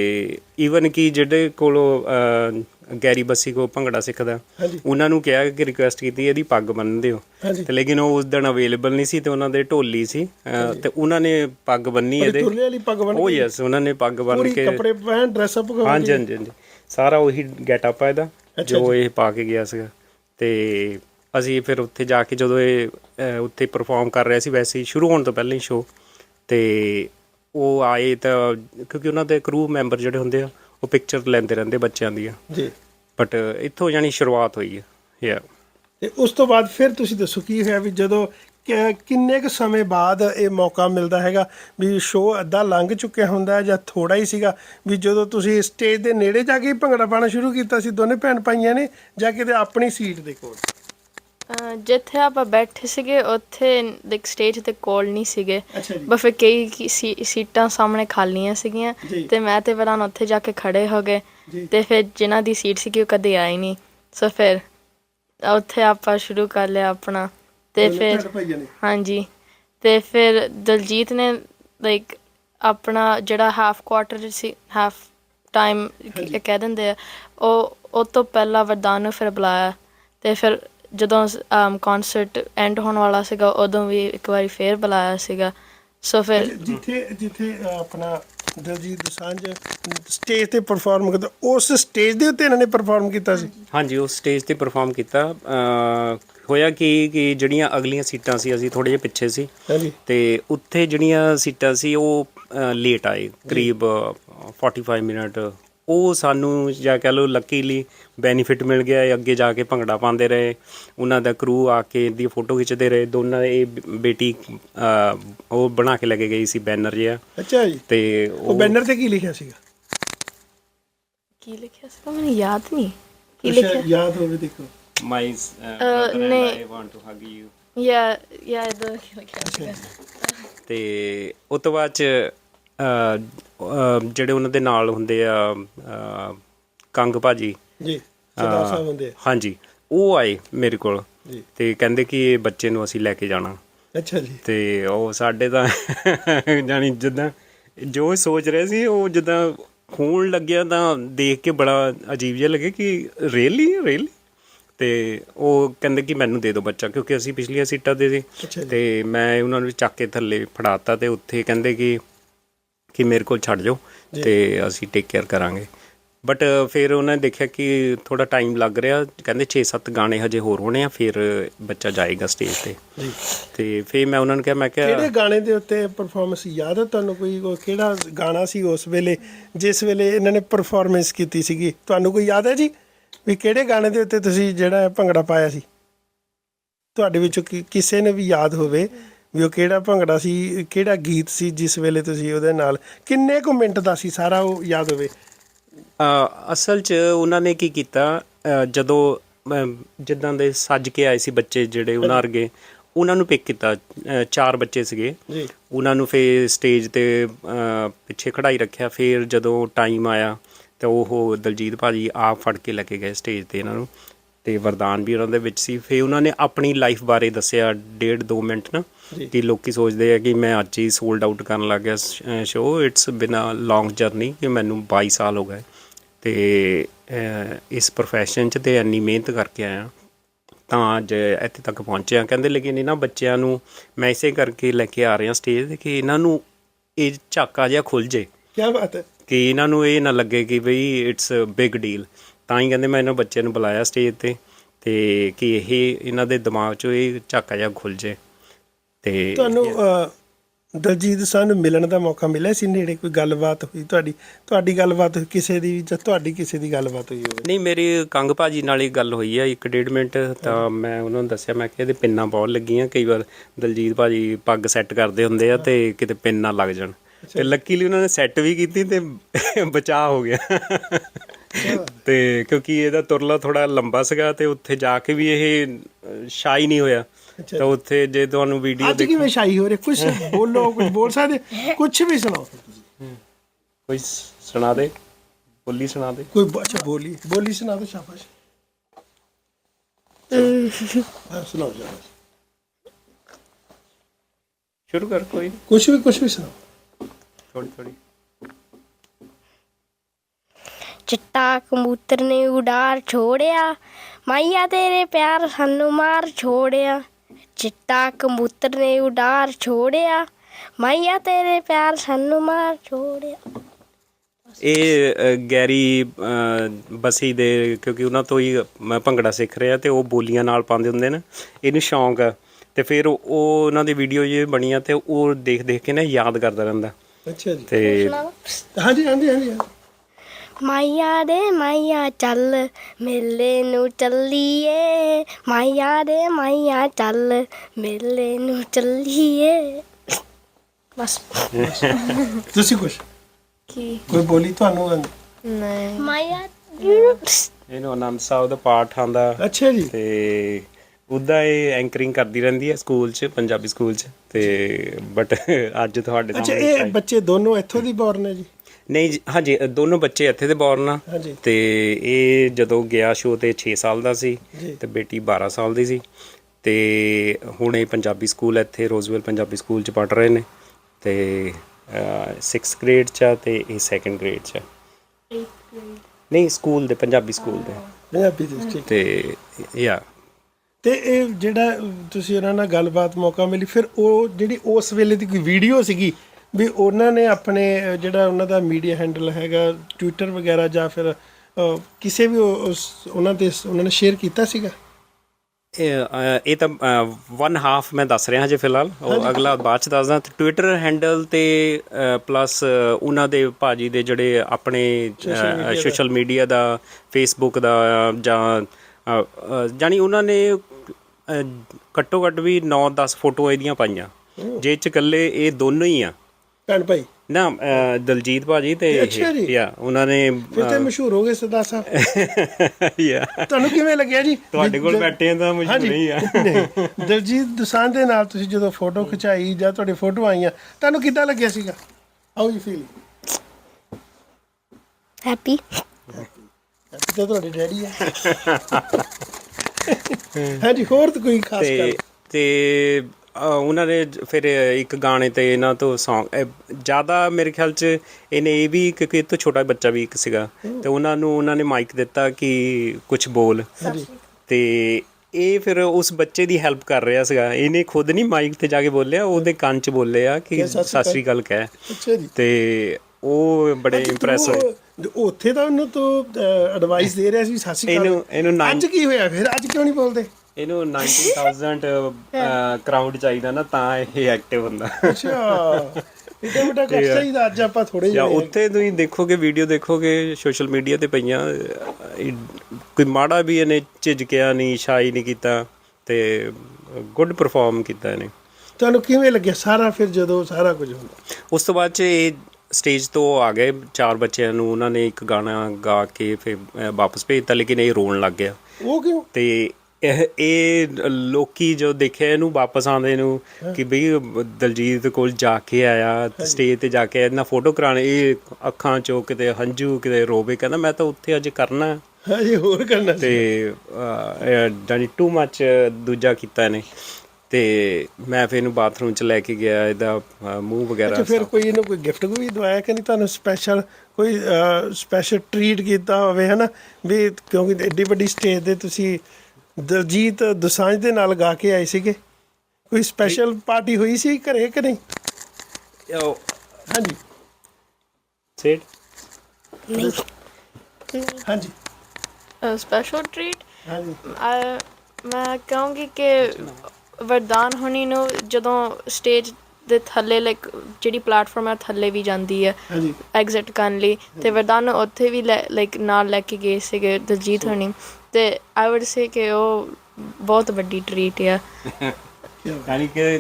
S2: ਈਵਨ ਕਿ ਜਿਹੜੇ ਕੋਲੋਂ ਗੈਰੀ ਬੱਸੀ ਕੋ ਭੰਗੜਾ ਸਿੱਖਦਾ
S1: ਹਾਂਜੀ।
S2: ਉਹਨਾਂ ਨੂੰ ਕਿਹਾ ਕਿ ਰਿਕੁਐਸਟ ਕੀਤੀ ਇਹਦੀ ਪੱਗ ਬੰਨ੍ਹ ਦਿਓ
S1: ਹਾਂਜੀ।
S2: ਤੇ ਲੇਕਿਨ ਉਹ ਉਸ ਦਿਨ ਅਵੇਲੇਬਲ ਨਹੀਂ ਸੀ ਤੇ ਉਹਨਾਂ ਦੇ ਢੋਲੀ ਸੀ ਅਹ, ਤੇ ਉਹਨਾਂ ਨੇ ਪੱਗ ਬੰਨੀ ਇਹਦੇ
S1: ਤੁਰਲੇ ਵਾਲੀ ਪੱਗ ਬੰਨ
S2: ਉਹ ਯੈਸ ਉਹਨਾਂ ਨੇ ਪੱਗ ਬੰਨ
S1: ਪੂਰੀ
S2: ਕੇ
S1: ਕੱਪੜੇ ਪਹਿਨ ਡਰੈਸ ਅਪ
S2: ਹਾਂਜੀ ਹਾਂਜੀ ਹਾਂਜੀ ਸਾਰਾ ਉਹੀ ਗੈਟਅਪ ਆ ਇਹਦਾ ਜੋ ਇਹ ਪਾ ਕੇ ਗਿਆ ਸੀਗਾ ਤੇ ਅਸੀਂ ਫਿਰ ਉੱਥੇ ਜਾ ਕੇ ਜਦੋਂ ਇਹ ਅਹ, ਉੱਥੇ ਪਰਫਾਰਮ ਕਰ ਰਿਹਾ ਸੀ ਵੈਸੇ ਹੀ ਸ਼ੁਰੂ ਹੋਣ ਤੋਂ ਪਹਿਲਾਂ ਹੀ ਸ਼ੋਅ ਤੇ ਉਹ ਆਏ ਤਾਂ ਕਿਉਂਕਿ ਉਹਨਾਂ ਦੇ ਕਰੂ ਮੈਂਬਰ ਜਿਹੜੇ ਹੁੰਦੇ ਆ ਉਹ ਪਿਕਚਰ ਲੈਂਦੇ ਰਹਿੰਦੇ ਬੱਚਿਆਂ ਦੀਆਂ
S1: ਜੀ
S2: ਬਟ ਇੱਥੋਂ ਜਾਨੀ ਸ਼ੁਰੂਆਤ ਹੋਈ ਹੈ ਯਾ
S1: ਤੇ ਉਸ ਤੋਂ ਬਾਅਦ ਫਿਰ ਤੁਸੀਂ ਦੱਸੋ ਕੀ ਹੋਇਆ ਵੀ ਜਦੋਂ ਕਿ- ਕਿੰਨੇ ਕੁ ਸਮੇਂ ਬਾਅਦ ਇਹ ਮੌਕਾ ਮਿਲਦਾ ਹੈਗਾ ਵੀ ਸ਼ੋਅ ਅੱਧਾ ਲੰਘ ਚੁੱਕਿਆ ਹੁੰਦਾ ਜਾਂ ਥੋੜਾ ਹੀ ਸੀਗਾ ਵੀ ਜਦੋਂ ਤੁਸੀਂ ਸਟੇਜ ਦੇ ਨੇੜੇ ਜਾ ਕੇ ਹੀ ਭੰਗੜਾ ਪਾਉਣਾ ਸ਼ੁਰੂ ਕੀਤਾ ਸੀ ਦੋਨੇ ਭੈਣ ਭਾਈਆਂ ਨੇ ਜਾਂ ਕਿਤੇ ਆਪਣੀ ਸੀਟ ਦੇ ਕੋਲ
S3: ਅਹ ਜਿੱਥੇ ਆਪਾਂ ਬੈਠੇ ਸੀਗੇ ਉੱਥੇ ਲਾਈਕ ਸਟੇਜ ਤੇ ਕੋਲ ਨਹੀਂ ਸੀਗੇ
S1: ਅੱਛਾ ਜੀ
S3: ਬਸ ਫਿਰ ਕਈ ਕੀ ਸੀ- ਸੀਟਾਂ ਸਾਹਮਣੇ ਖਾਲੀਆਂ ਸੀਗੀਆਂ
S1: ਜੀ।
S3: ਤੇ ਮੈਂ ਤੇ ਵਰਾਂ ਉੱਥੇ ਜਾ ਕੇ ਖੜੇ ਹੋ ਗਏ
S1: ਜੀ।
S3: ਤੇ ਫਿਰ ਜਿਨ੍ਹਾਂ ਦੀ ਸੀਟ ਸੀ ਉਹ ਕਦੇ ਆਈ ਨਹੀਂ ਸੋ ਫਿਰ ਉੱਥੇ ਆਪਾਂ ਸ਼ੁਰੂ ਕਰ ਲਿਆ ਆਪਣਾ ਤੇ
S1: ਦੋਨੇ
S3: ਫਿਰ
S1: ਭੈਣ ਭਾਈਆਂ ਨੇ
S3: ਹਾਂਜੀ ਤੇ ਫਿਰ ਦਲਜੀਤ ਨੇ ਲਾਈਕ ਆਪਣਾ ਜਿਹੜਾ ਹਾਫ ਕੁਆਟਰ ਸੀ ਹਾਫ ਟਾਈਮ ਕਹਿ ਦਿੰਦੇ ਆ ਉਹ ਉਹ ਤੋਂ ਪਹਿਲਾਂ ਵਰਦਾਨ ਨੂੰ ਫਿਰ ਬੁਲਾਇਆ ਤੇ ਫਿਰ ਜਦੋਂ ਕਨਸਰਟ ਐਂਡ ਹੋਣ ਵਾਲਾ ਸੀਗਾ ਉਦੋਂ ਵੀ ਇੱਕ ਵਾਰੀ ਫੇਰ ਬੁਲਾਇਆ ਸੀਗਾ ਸੋ ਫਿਰ
S1: ਜਿੱਥੇ ਜਿੱਥੇ ਅ, ਆਪਣਾ ਦਲਜੀਤ ਦੋਸਾਂਝ ਸਟੇਜ ਤੇ ਪਰਫਾਰਮ ਕਰਦਾ ਉਸ ਸਟੇਜ ਦੇ ਉੱਤੇ ਇਹਨਾਂ ਨੇ ਪਰਫਾਰਮ ਕੀਤਾ ਸੀ
S2: ਹਾਂਜੀ ਉਸ ਸਟੇਜ ਤੇ ਪਰਫਾਰਮ ਕੀਤਾ ਅਹ, ਹੋਇਆ ਕਿ ਕਿ ਜਿਹੜੀਆਂ ਅਗਲੀਆਂ ਸੀਟਾਂ ਸੀ ਅਸੀਂ ਥੋੜੇ ਜਿਹਾ ਪਿੱਛੇ ਸੀ
S1: ਹਾਂਜੀ
S2: ਤੇ ਉੱਥੇ ਜਿਹੜੀਆਂ ਸੀਟਾਂ ਸੀ ਉਹ ਲੇਟ ਆਏ ਕਰੀਬ ਪੈਂਤਾਲੀ ਮਿੰਟ ਉਹ ਸਾਨੂੰ ਜਾਂ ਕਹਿ ਲਓ ਲੱਕੀਲੀ ਬੈਨੀਫਿਟ ਮਿਲ ਗਿਆ ਇਹ ਅੱਗੇ ਜਾ ਕੇ ਭੰਗੜਾ ਪਾਉਂਦੇ ਰਹੇ ਉਹਨਾਂ ਦਾ ਕਰੂ ਆ ਕੇ ਦੀ ਫੋਟੋ ਖਿੱਚਦੇ ਰਹੇ ਦੋਨਾਂ ਇਹ ਬੇਟੀ ਅਹ, ਉਹ ਬਣਾ ਕੇ ਲੈ ਕੇ ਗਈ ਸੀ ਬੈਨਰ ਜਿਹਾ
S1: ਅੱਛਾ ਜੀ
S2: ਤੇ
S1: ਉਹ ਬੈਨਰ ਤੇ ਕੀ ਲਿਖਿਆ ਸੀਗਾ
S3: ਕੀ ਲਿਖਿਆ ਸੀਗਾ ਮੈਨੂੰ ਯਾਦ ਨਹੀਂ ਕੀ
S1: ਅੱਛਾ,
S3: ਲਿਖਿਆ
S1: ਯਾਦ ਹੋਵੇ ਦੇਖੋ
S2: ਮਾਈ
S3: ਨਹੀਂ।
S2: I want to hug you
S3: yeah yeah ਇਦਾਂ ਕੀ ਲਿਖਿਆ ਸੀਗਾ
S2: ਤੇ ਉਸ ਤੋਂ ਬਾਅਦ ਚ ਅਹ, ਅਹ, ਜਿਹੜੇ ਉਹਨਾਂ ਦੇ ਨਾਲ ਹੁੰਦੇ ਆ ਅਹ, ਕੰਗ ਭਾਜੀ
S1: ਜੀ ਸਰਦਾਰ ਸਾਹਿਬ ਹੁੰਦੇ ਆ।
S2: ਹਾਂਜੀ ਉਹ ਆਏ ਮੇਰੇ ਕੋਲ
S1: ਜੀ
S2: ਤੇ ਕਹਿੰਦੇ ਕਿ ਇਹ ਬੱਚੇ ਨੂੰ ਅਸੀਂ ਲੈ ਕੇ ਜਾਣਾ
S1: ਅੱਛਾ ਜੀ
S2: ਤੇ ਉਹ ਸਾਡੇ ਤਾਂ ਜਾਣੀ ਜਿੱਦਾਂ ਜੋ ਸੋਚ ਰਹੇ ਸੀ ਉਹ ਜਿੱਦਾਂ ਹੋਣ ਲੱਗਿਆ ਤਾਂ ਦੇਖ ਕੇ ਬੜਾ ਅਜੀਬ ਜਿਹਾ ਲੱਗੇ ਕਿ ਰੀਅਲੀ ਰੀਅਲੀ। ਤੇ ਉਹ ਕਹਿੰਦੇ ਕਿ ਮੈਨੂੰ ਦੇ ਦਿਓ ਬੱਚਾ, ਕਿਉਂਕਿ ਅਸੀਂ ਪਿਛਲੀਆਂ ਸੀਟਾਂ 'ਤੇ ਸੀ ਤੇ ਮੈਂ ਉਹਨਾਂ ਨੂੰ ਚੱਕ ਕੇ ਥੱਲੇ ਫੜਾਤਾ ਤੇ ਉੱਥੇ ਕਹਿੰਦੇ ਕਿ ਕਿ ਮੇਰੇ ਕੋਲ ਛੱਡ ਜਾਓ ਤੇ ਅਸੀਂ ਟੇਕ ਕੇਅਰ ਕਰਾਂਗੇ। ਬਟ ਫਿਰ ਉਹਨਾਂ ਨੇ ਦੇਖਿਆ ਕਿ ਥੋੜ੍ਹਾ ਟਾਈਮ ਲੱਗ ਰਿਹਾ, ਕਹਿੰਦੇ ਛੇ ਸੱਤ ਗਾਣੇ ਹਜੇ ਹੋਰ ਹੋਣੇ ਆ ਫਿਰ ਬੱਚਾ ਜਾਏਗਾ ਸਟੇਜ 'ਤੇ। ਤੇ ਫਿਰ ਮੈਂ ਉਹਨਾਂ ਨੂੰ ਕਿਹਾ, ਮੈਂ ਕਿਹਾ
S1: ਕਿਹੜੇ ਗਾਣੇ ਦੇ ਉੱਤੇ ਪਰਫਾਰਮੈਂਸ ਯਾਦ ਹੈ ਤੁਹਾਨੂੰ? ਕੋਈ ਉਹ ਕਿਹੜਾ ਗਾਣਾ ਸੀ ਉਸ ਵੇਲੇ ਜਿਸ ਵੇਲੇ ਇਹਨਾਂ ਨੇ ਪਰਫਾਰਮੈਂਸ ਕੀਤੀ ਸੀਗੀ, ਤੁਹਾਨੂੰ ਕੋਈ ਯਾਦ ਹੈ ਜੀ ਵੀ ਕਿਹੜੇ ਗਾਣੇ ਦੇ ਉੱਤੇ ਤੁਸੀਂ ਜਿਹੜਾ ਭੰਗੜਾ ਪਾਇਆ ਸੀ? ਤੁਹਾਡੇ ਵਿੱਚੋਂ ਕਿ ਕਿਸੇ ਨੇ ਵੀ ਯਾਦ ਹੋਵੇ ਵੀ ਉਹ ਕਿਹੜਾ ਭੰਗੜਾ ਸੀ, ਕਿਹੜਾ ਗੀਤ ਸੀ ਜਿਸ ਵੇਲੇ ਤੁਸੀਂ ਉਹਦੇ ਨਾਲ, ਕਿੰਨੇ ਕੁ ਮਿੰਟ ਦਾ ਸੀ ਸਾਰਾ ਉਹ ਯਾਦ ਹੋਵੇ?
S2: ਅਸਲ 'ਚ ਉਹਨਾਂ ਨੇ ਕੀ ਕੀਤਾ, ਜਦੋਂ ਜਿੱਦਾਂ ਦੇ ਸੱਜ ਕੇ ਆਏ ਸੀ ਬੱਚੇ ਜਿਹੜੇ ਉਹਨਾਂ ਵਰਗੇ, ਉਹਨਾਂ ਨੂੰ ਪਿਕ ਕੀਤਾ। ਚਾਰ ਬੱਚੇ ਸੀਗੇ, ਉਹਨਾਂ ਨੂੰ ਫਿਰ ਸਟੇਜ 'ਤੇ ਪਿੱਛੇ ਖੜਾਈ ਰੱਖਿਆ। ਫਿਰ ਜਦੋਂ ਟਾਈਮ ਆਇਆ ਤਾਂ ਉਹ ਦਲਜੀਤ ਭਾਜੀ ਆਪ ਫੜ ਕੇ ਲੈ ਕੇ ਗਏ ਸਟੇਜ 'ਤੇ ਇਹਨਾਂ ਨੂੰ, ਅਤੇ ਵਰਦਾਨ ਵੀ ਉਹਨਾਂ ਦੇ ਵਿੱਚ ਸੀ। ਫਿਰ ਉਹਨਾਂ ਨੇ ਆਪਣੀ ਲਾਈਫ ਬਾਰੇ ਦੱਸਿਆ ਡੇਢ ਦੋ ਮਿੰਟ ਨਾ, ਕਿ ਲੋਕ ਸੋਚਦੇ ਆ ਕਿ ਮੈਂ ਅੱਜ ਹੀ ਸੋਲਡ ਆਊਟ ਕਰਨ ਲੱਗ ਗਿਆ ਸ਼ੋਅ। ਇਟਸ ਬਿਨ ਅ ਲੌਂਗ ਜਰਨੀ, ਕਿ ਮੈਨੂੰ ਬਾਈ ਸਾਲ ਹੋ ਗਏ ਅਤੇ ਇਸ ਪ੍ਰੋਫੈਸ਼ਨ 'ਚ ਅਤੇ ਇੰਨੀ ਮਿਹਨਤ ਕਰਕੇ ਆਇਆ ਤਾਂ ਅੱਜ ਇੱਥੇ ਤੱਕ ਪਹੁੰਚਿਆ। ਕਹਿੰਦੇ ਲੇਕਿਨ ਇਹਨਾਂ ਬੱਚਿਆਂ ਨੂੰ ਮੈਂ ਇਸੇ ਕਰਕੇ ਲੈ ਕੇ ਆ ਰਿਹਾ ਸਟੇਜ 'ਤੇ ਕਿ ਇਹਨਾਂ ਨੂੰ ਇਹ ਝਾਕਾ ਜਿਹਾ ਖੁੱਲ੍ਹ ਜੇ,
S1: ਕਿਆ ਬਾਤ ਹੈ, ਕਿ
S2: ਇਹਨਾਂ ਨੂੰ ਇਹ ਨਾ ਲੱਗੇ ਕਿ ਬਈ ਇਟਸ ਬਿਗ ਡੀਲ। ਤਾਂ ਹੀ ਕਹਿੰਦੇ ਮੈਂ ਇਹਨਾਂ ਬੱਚਿਆਂ ਨੂੰ ਬੁਲਾਇਆ ਸਟੇਜ 'ਤੇ ਅਤੇ ਕਿ ਇਹ ਇਹਨਾਂ ਦੇ ਦਿਮਾਗ 'ਚੋਂ ਇਹ ਝਾਕਾ ਜਿਹਾ ਖੁੱਲ੍ਹ ਜੇ। ਅਤੇ
S1: ਤੁਹਾਨੂੰ ਦਲਜੀਤ ਸਾਹਿਬ ਨੂੰ ਮਿਲਣ ਦਾ ਮੌਕਾ ਮਿਲਿਆ ਸੀ ਨੇੜੇ? ਕੋਈ ਗੱਲਬਾਤ ਹੋਈ ਤੁਹਾਡੀ ਤੁਹਾਡੀ ਗੱਲਬਾਤ ਹੋਈ ਕਿਸੇ ਦੀ, ਜਾਂ ਤੁਹਾਡੀ ਕਿਸੇ ਦੀ ਗੱਲਬਾਤ ਹੋਈ ਹੋਵੇ?
S2: ਨਹੀਂ, ਮੇਰੀ ਕੰਗ ਭਾਜੀ ਨਾਲ ਹੀ ਗੱਲ ਹੋਈ ਆ ਇੱਕ ਡੇਢ ਮਿੰਟ। ਤਾਂ ਮੈਂ ਉਹਨਾਂ ਨੂੰ ਦੱਸਿਆ, ਮੈਂ ਕਿਹਾ ਇਹਦੇ ਪਿੰਨਾਂ ਬਹੁਤ ਲੱਗੀਆਂ, ਕਈ ਵਾਰ ਦਲਜੀਤ ਭਾਜੀ ਪੱਗ ਸੈੱਟ ਕਰਦੇ ਹੁੰਦੇ ਆ ਅਤੇ ਕਿਤੇ ਪਿੰਨ ਨਾ ਲੱਗ ਜਾਣ। ਅਤੇ ਲੱਕੀਲੀ ਉਹਨਾਂ ਨੇ ਸੈੱਟ ਵੀ ਕੀਤੀ ਅਤੇ ਬਚਾਅ ਹੋ ਗਿਆ। ਅਤੇ ਕਿਉਂਕਿ ਇਹਦਾ ਤੁਰਲਾ ਥੋੜ੍ਹਾ ਲੰਬਾ ਸੀਗਾ ਅਤੇ ਉੱਥੇ ਜਾ ਕੇ ਵੀ ਇਹ ਸ਼ਾਈ ਨਹੀਂ ਹੋਇਆ। ਤਾਂ ਉੱਥੇ ਜੇ ਤੁਹਾਨੂੰ ਵੀਡੀਓ
S1: ਅੱਜ ਕਿਵੇਂ ਸ਼ਾਈ ਹੋ ਰਹੇ? ਕੁਛ ਬੋਲੋ, ਕੁਝ ਬੋਲ ਸਕਦੇ, ਕੁਛ ਵੀ ਸੁਣਾਓ।
S2: ਕੋਈ ਸੁਣਾ ਦੇ, ਬੋਲੀ ਸੁਣਾ ਦੇ
S1: ਕੋਈ। ਅੱਛਾ, ਬੋਲੀ ਬੋਲੀ ਸੁਣਾ ਦਿਓ, ਸ਼ਾਬਾਸ਼। ਸੁਣਾਓ ਸ਼ਾਬਾਸ਼,
S2: ਸ਼ੁਰੂ ਕਰ, ਕੋਈ
S1: ਕੁਛ ਵੀ ਕੁਛ ਵੀ ਸੁਣਾਓ,
S2: ਥੋੜੀ ਥੋੜੀ।
S5: ਚਿੱਟਾ ਕਬੂਤਰ ਨੇ ਉਡਾਰ ਛੋੜਿਆ, ਮਾਈਆ ਤੇਰੇ ਪਿਆਰ ਸਾਨੂੰ ਮਾਰ ਛੋੜਿਆ। ਚਿੱਟਾ ਕਬੂਤਰ ਨੇ ਉਡਾਰ ਛੋੜਿਆ, ਮਾਈਆ ਤੇਰੇ ਪਿਆਰ ਸਾਨੂੰ ਮਾਰ ਛੋੜਿਆ।
S2: ਇਹ ਗੈਰੀ ਬਸੀ ਦੇ, ਕਿਉਂਕਿ ਉਹਨਾਂ ਤੋਂ ਹੀ ਮੈਂ ਭੰਗੜਾ ਸਿੱਖ ਰਿਹਾ ਅਤੇ ਉਹ ਬੋਲੀਆਂ ਨਾਲ ਪਾਉਂਦੇ ਹੁੰਦੇ ਨੇ, ਇਹਨੂੰ ਸ਼ੌਂਕ ਆ। ਅਤੇ ਫਿਰ ਉਹ ਉਹਨਾਂ ਦੀ ਵੀਡੀਓ ਜੇ ਬਣੀਆਂ ਅਤੇ ਉਹ ਦੇਖ ਦੇਖ ਕੇ ਨਾ ਯਾਦ ਕਰਦਾ ਰਹਿੰਦਾ।
S1: ਅੱਛਾ ਜੀ,
S2: ਅਤੇ
S1: ਹਾਂਜੀ ਹਾਂਜੀ ਹਾਂਜੀ।
S5: ਮਾਈਆ ਦੇ ਮਾਈਆ ਚੱਲ ਮੇਲੇ ਨੂੰ ਚੱਲੀਏ, ਮਾਈਆ ਦੇ ਮਾਈਆ ਚੱਲ ਮੇਲੇ ਨੂੰ ਚੱਲੀਏ। ਬਸ।
S1: ਤੁਸੀਂ ਕੁਛ
S3: ਕੀ
S1: ਕੋਈ ਬੋਲੀ ਤੁਹਾਨੂੰ ਆਉਂਦੀ?
S3: ਨਹੀਂ,
S5: ਮਾਈਆ
S2: ਇਹਨੂੰ ਆਨੰਦ ਸਾਹਿਬ ਦਾ ਪਾਠ ਆਉਂਦਾ।
S1: ਅੱਛਾ ਜੀ।
S2: ਅਤੇ ਉੱਦਾਂ ਇਹ ਐਂਕਰਿੰਗ ਕਰਦੀ ਰਹਿੰਦੀ ਹੈ ਸਕੂਲ 'ਚ, ਪੰਜਾਬੀ ਸਕੂਲ 'ਚ। ਅਤੇ ਬਟ ਅੱਜ ਤੁਹਾਡੇ
S1: ਅੱਛਾ,
S2: ਸਾਹਮਣੇ
S1: ਇਹ ਬੱਚੇ ਦੋਨੋਂ ਇੱਥੋਂ ਦੀ ਬੋਰਨ ਨੇ ਜੀ?
S2: ਨਹੀਂ ਜੀ, ਹਾਂਜੀ, ਦੋਨੋਂ ਬੱਚੇ ਇੱਥੇ ਦੇ ਬੋਰਨ ਆ।
S1: ਹਾਂਜੀ।
S2: ਅਤੇ ਇਹ ਜਦੋਂ ਗਿਆ ਸ਼ੋਅ 'ਤੇ ਛੇ ਸਾਲ ਦਾ ਸੀ ਅਤੇ ਬੇਟੀ ਬਾਰਾਂ ਸਾਲ ਦੀ ਸੀ। ਅਤੇ ਹੁਣ ਇਹ ਪੰਜਾਬੀ ਸਕੂਲ ਇੱਥੇ ਰੋਜ਼ਵੈਲ ਪੰਜਾਬੀ ਸਕੂਲ 'ਚ ਪੜ੍ਹ ਰਹੇ ਨੇ ਅਤੇ ਸਿਕਸ ਗ੍ਰੇਡ 'ਚ ਆ ਅਤੇ ਇਹ ਸੈਕਿੰਡ ਗ੍ਰੇਡ 'ਚ ਆ। ਨਹੀਂ, ਸਕੂਲ ਦੇ, ਪੰਜਾਬੀ ਸਕੂਲ ਦੇ
S1: ਪੰਜਾਬੀ ਦੇ, ਠੀਕ।
S2: ਅਤੇ ਯਾ
S1: ਤੇ ਇਹ ਜਿਹੜਾ ਤੁਸੀਂ ਉਹਨਾਂ ਨਾਲ ਗੱਲਬਾਤ ਮੌਕਾ ਮਿਲੀ, ਫਿਰ ਉਹ ਜਿਹੜੀ ਉਸ ਵੇਲੇ ਦੀ ਕੋਈ ਵੀਡੀਓ ਸੀਗੀ ਵੀ ਉਹਨਾਂ ਨੇ ਆਪਣੇ ਜਿਹੜਾ ਉਹਨਾਂ ਦਾ ਮੀਡੀਆ ਹੈਂਡਲ ਹੈਗਾ ਟਵਿੱਟਰ ਵਗੈਰਾ ਜਾਂ ਫਿਰ ਕਿਸੇ ਵੀ ਉਸ ਉਹਨਾਂ ਦੇ ਉਹਨਾਂ ਨੇ ਸ਼ੇਅਰ ਕੀਤਾ ਸੀਗਾ?
S2: ਇਹ ਇਹ ਤਾਂ ਵਨ ਹਾਫ ਮੈਂ ਦੱਸ ਰਿਹਾ ਹਜੇ ਫਿਲਹਾਲ, ਉਹ ਅਗਲਾ ਬਾਅਦ 'ਚ ਦੱਸਦਾ। ਟਵਿੱਟਰ ਹੈਂਡਲ 'ਤੇ ਪਲੱਸ ਉਹਨਾਂ ਦੇ ਭਾਜੀ ਦੇ ਜਿਹੜੇ ਆਪਣੇ ਸੋਸ਼ਲ ਮੀਡੀਆ ਦਾ, ਫੇਸਬੁੱਕ ਦਾ, ਜਾਂ ਜਾਣੀ ਉਹਨਾਂ ਨੇ ਘੱਟੋ ਘੱਟ ਵੀ ਨੌ ਦਸ ਫੋਟੋਆਂ ਇਹਦੀਆਂ ਪਾਈਆਂ, ਜਿਹ 'ਚ ਇਕੱਲੇ ਇਹ ਦੋਨੋਂ ਹੀ ਆ
S1: ਭੈਣ ਭਾਈ
S2: ਨਾ, ਦਲਜੀਤ ਭਾਜੀ ਤੇ ਯਾ ਉਹਨਾਂ ਨੇ।
S1: ਫਿਰ ਤੇ ਮਸ਼ਹੂਰ ਹੋ ਗਏ ਸਰਦਾਰ ਸਾਹਿਬ।
S2: ਯਾ
S1: ਤੁਹਾਨੂੰ ਕਿਵੇਂ ਲੱਗਿਆ ਜੀ?
S2: ਤੁਹਾਡੇ ਕੋਲ ਬੈਠੇ ਤਾਂ ਮਸ਼ਹੂਰ ਹੀ ਆ।
S1: ਦਲਜੀਤ ਦੋਸਾਂਝ ਦੇ ਨਾਲ ਤੁਸੀਂ ਜਦੋਂ ਫੋਟੋ ਖਿਚਾਈ ਜਾਂ ਤੁਹਾਡੀ ਫੋਟੋ ਆਈਆਂ, ਤੁਹਾਨੂੰ ਕਿੱਦਾਂ ਲੱਗਿਆ ਸੀਗਾ? How you feel?
S5: Happy.
S1: Happy ਤਾਂ ਤੁਹਾਡੇ ਡੈਡੀ ਆ। ਹਾਂਜੀ, ਹੋਰ ਤਾਂ ਕੋਈ ਖਾਸ ਗੱਲ?
S2: ਤੇ ਉਹਨਾਂ ਨੇ ਜ- ਫਿਰ ਇੱਕ ਗਾਣੇ ਤੇ ਇਹਨਾਂ ਤੋਂ ਸੌਂਗ ਜ਼ਿਆਦਾ ਮੇਰੇ ਖਿਆਲ 'ਚ ਇਹਨੇ ਇਹ ਵੀ ਕਿਉਂਕਿ ਇਹ ਤੋਂ ਛੋਟਾ ਬੱਚਾ ਵੀ ਇੱਕ ਸੀਗਾ ਤੇ ਉਹਨਾਂ ਨੂੰ ਉਹਨਾਂ ਨੇ ਮਾਈਕ ਦਿੱਤਾ ਕਿ ਕੁਝ ਬੋਲ ਤੇ ਇਹ ਫਿਰ ਉਸ ਬੱਚੇ ਦੀ ਹੈਲਪ ਕਰ ਰਿਹਾ ਸੀਗਾ। ਇਹਨੇ ਖੁਦ ਨਹੀਂ ਮਾਈਕ ਤੇ ਜਾ ਕੇ ਬੋਲਿਆ, ਉਹਦੇ ਕੰਨ 'ਚ ਬੋਲਿਆ ਕਿ ਸਤਿ ਸ਼੍ਰੀ ਅਕਾਲ ਕਹਿ।
S1: ਅੱਛਾ ਜੀ।
S2: ਤੇ ਉਹ ਬੜੇ ਇੰਪ੍ਰੈਸ ਹੋਏ।
S1: ਉਹ- ਉੱਥੇ ਤਾਂ ਉਹਨੂੰ ਤੋਂ ਐਡਵਾਈਸ ਦੇ ਰਿਹਾ ਸੀ ਸਤਿ ਸ਼੍ਰੀ ਅਕਾਲ।
S2: ਇਹਨੂੰ ਇਹਨੂੰ nine-
S1: ਅੱਜ ਕੀ ਹੋਇਆ ਫਿਰ? ਅੱਜ ਕਿਉਂ ਨਹੀਂ ਬੋਲਦੇ?
S2: ਇਹਨੂੰ ਨਾਈਨਟੀ ਥਾਊਜ਼ੈਂਡ ਕਰਾਊਡ ਚਾਹੀਦਾ ਨਾ ਤਾਂ ਇਹ ਐਕਟਿਵ ਹੁੰਦਾ।
S1: ਅੱਛਾ, ਇਹਦਾ ਬੇਟਾ ਕੁਛ ਚਾਹੀਦਾ। ਅੱਜ ਆਪਾਂ ਥੋੜੇ
S2: ਜਾਂ
S1: ਜਿਹੇ
S2: ਉੱਥੇ ਤੁਸੀਂ ਦੇਖੋਗੇ, ਵੀਡੀਓ ਦੇਖੋਗੇ ਸੋਸ਼ਲ ਮੀਡੀਆ ਤੇ ਪਈਆਂ, ਇਹ ਕੋਈ ਮਾੜਾ ਵੀ ਇਹਨੇ ਝਿਜਕਿਆ ਨਹੀਂ, ਸ਼ਾਈ ਨਹੀਂ ਕੀਤਾ ਤੇ ਗੁੱਡ ਪਰਫਾਰਮ ਕੀਤਾ ਇਹਨੇ।
S1: ਤੁਹਾਨੂੰ ਕਿਵੇਂ ਲੱਗਿਆ ਸਾਰਾ ਫਿਰ ਜਦੋਂ ਸਾਰਾ ਕੁਝ ਹੁੰਦਾ?
S2: ਉਸ ਤੋਂ ਬਾਅਦ 'ਚ ਇਹ ਸਟੇਜ ਤੋਂ ਆ ਗਏ, ਚਾਰ ਬੱਚਿਆਂ ਨੂੰ ਉਹਨਾਂ ਨੇ ਇੱਕ ਗਾਣਾ ਗਾ ਕੇ ਫਿਰ ਅ, ਵਾਪਸ ਭੇਜਤਾ, ਲੇਕਿਨ ਇਹ ਰੋਣ ਲੱਗ ਗਿਆ।
S1: ਉਹ ਕਿਉਂ?
S2: ਤੇ ਇਹ ਇਹ ਲੋਕੀ ਜੋ ਦੇਖਿਆ ਇਹਨੂੰ ਵਾਪਸ ਆਉਂਦੇ ਨੂੰ ਕਿ ਬਈ ਦਲਜੀਤ ਕੋਲ ਜਾ ਕੇ ਆਇਆ, ਸਟੇਜ ਤੇ ਜਾ ਕੇ ਇਹਨਾਂ ਫੋਟੋ ਕਰਾਉਣ, ਇਹ ਅੱਖਾਂ ਚੋਂ ਕਿਤੇ ਹੰਝੂ ਕਿਤੇ ਰੋਵੇ, ਕਹਿੰਦਾ ਮੈਂ ਤਾਂ ਉੱਥੇ ਅੱਜ ਕਰਨਾ
S1: ਹਜੇ ਹੋਰ ਕਰਨਾ ਸੀ।
S2: ਤੇ ਜਾਨੀ ਟੂ ਮੱਚ ਦੂਜਾ ਕੀਤਾ ਇਹਨੇ। ਤੇ ਮੈਂ ਫਿਰ ਇਹਨੂੰ ਬਾਥਰੂਮ 'ਚ ਲੈ ਕੇ ਗਿਆ, ਇਹਦਾ ਅ, ਮੂੰਹ ਵਗੈਰਾ
S1: ਅੱਛਾ, ਫਿਰ ਕੋਈ ਇਹਨੂੰ ਕੋਈ ਗਿਫਟ ਵੀ ਦਵਾਇਆ ਕਿ ਨਹੀਂ ਤੁਹਾਨੂੰ? ਸਪੈਸ਼ਲ ਕੋਈ ਸਪੈਸ਼ਲ ਟਰੀਟ ਕੀਤਾ ਹੋਵੇ, ਹੈ ਨਾ ਵੀ, ਕਿਉਂਕਿ ਐਡੀ ਵੱਡੀ ਸਟੇਜ ਤੇ ਤੁਸੀਂ ਦਲਜੀਤ ਦੋਸਾਂਝ ਦੇ ਨਾਲ ਗਾ ਕੇ ਆਏ ਸੀਗੇ। ਕੋਈ ਸਪੈਸ਼ਲ ਪਾਰਟੀ ਹੋਈ ਸੀ ਘਰੇ ਕਿ ਨਹੀਂ?
S2: ਉਹ
S1: ਹਾਂਜੀ
S2: ਸੇਟ
S1: ਹਾਂਜੀ
S3: ਸਪੈਸ਼ਲ ਟ੍ਰੀਟ
S1: ਹਾਂਜੀ
S3: ਮੈਂ ਕਹਾਂਗੀ ਕਿ ਵਰਦਾਨ ਹੁਣੀ ਨੂੰ ਜਦੋਂ ਸਟੇਜ ਦੇ ਥੱਲੇ ਲਾਈਕ ਜਿਹੜੀ ਪਲੇਟਫਾਰਮ ਹੈ ਥੱਲੇ ਵੀ ਜਾਂਦੀ ਹੈ
S1: ਹਾਂਜੀ
S3: ਐਗਜ਼ਿਟ ਕਰਨ ਲਈ, ਤੇ ਵਰਦਾਨ ਨੂੰ ਉੱਥੇ ਵੀ ਲਾਈਕ ਨਾਲ ਲੈ ਕੇ ਗਏ ਸੀਗੇ ਦਲਜੀਤ ਹੁਣੀ, ਤੇ ਆਈ ਵੁੱਡ ਸੇ ਕਿ ਉਹ ਬਹੁਤ ਵੱਡੀ ਟਰੀਟ ਆ।
S2: ਯਾਨੀ ਕਿ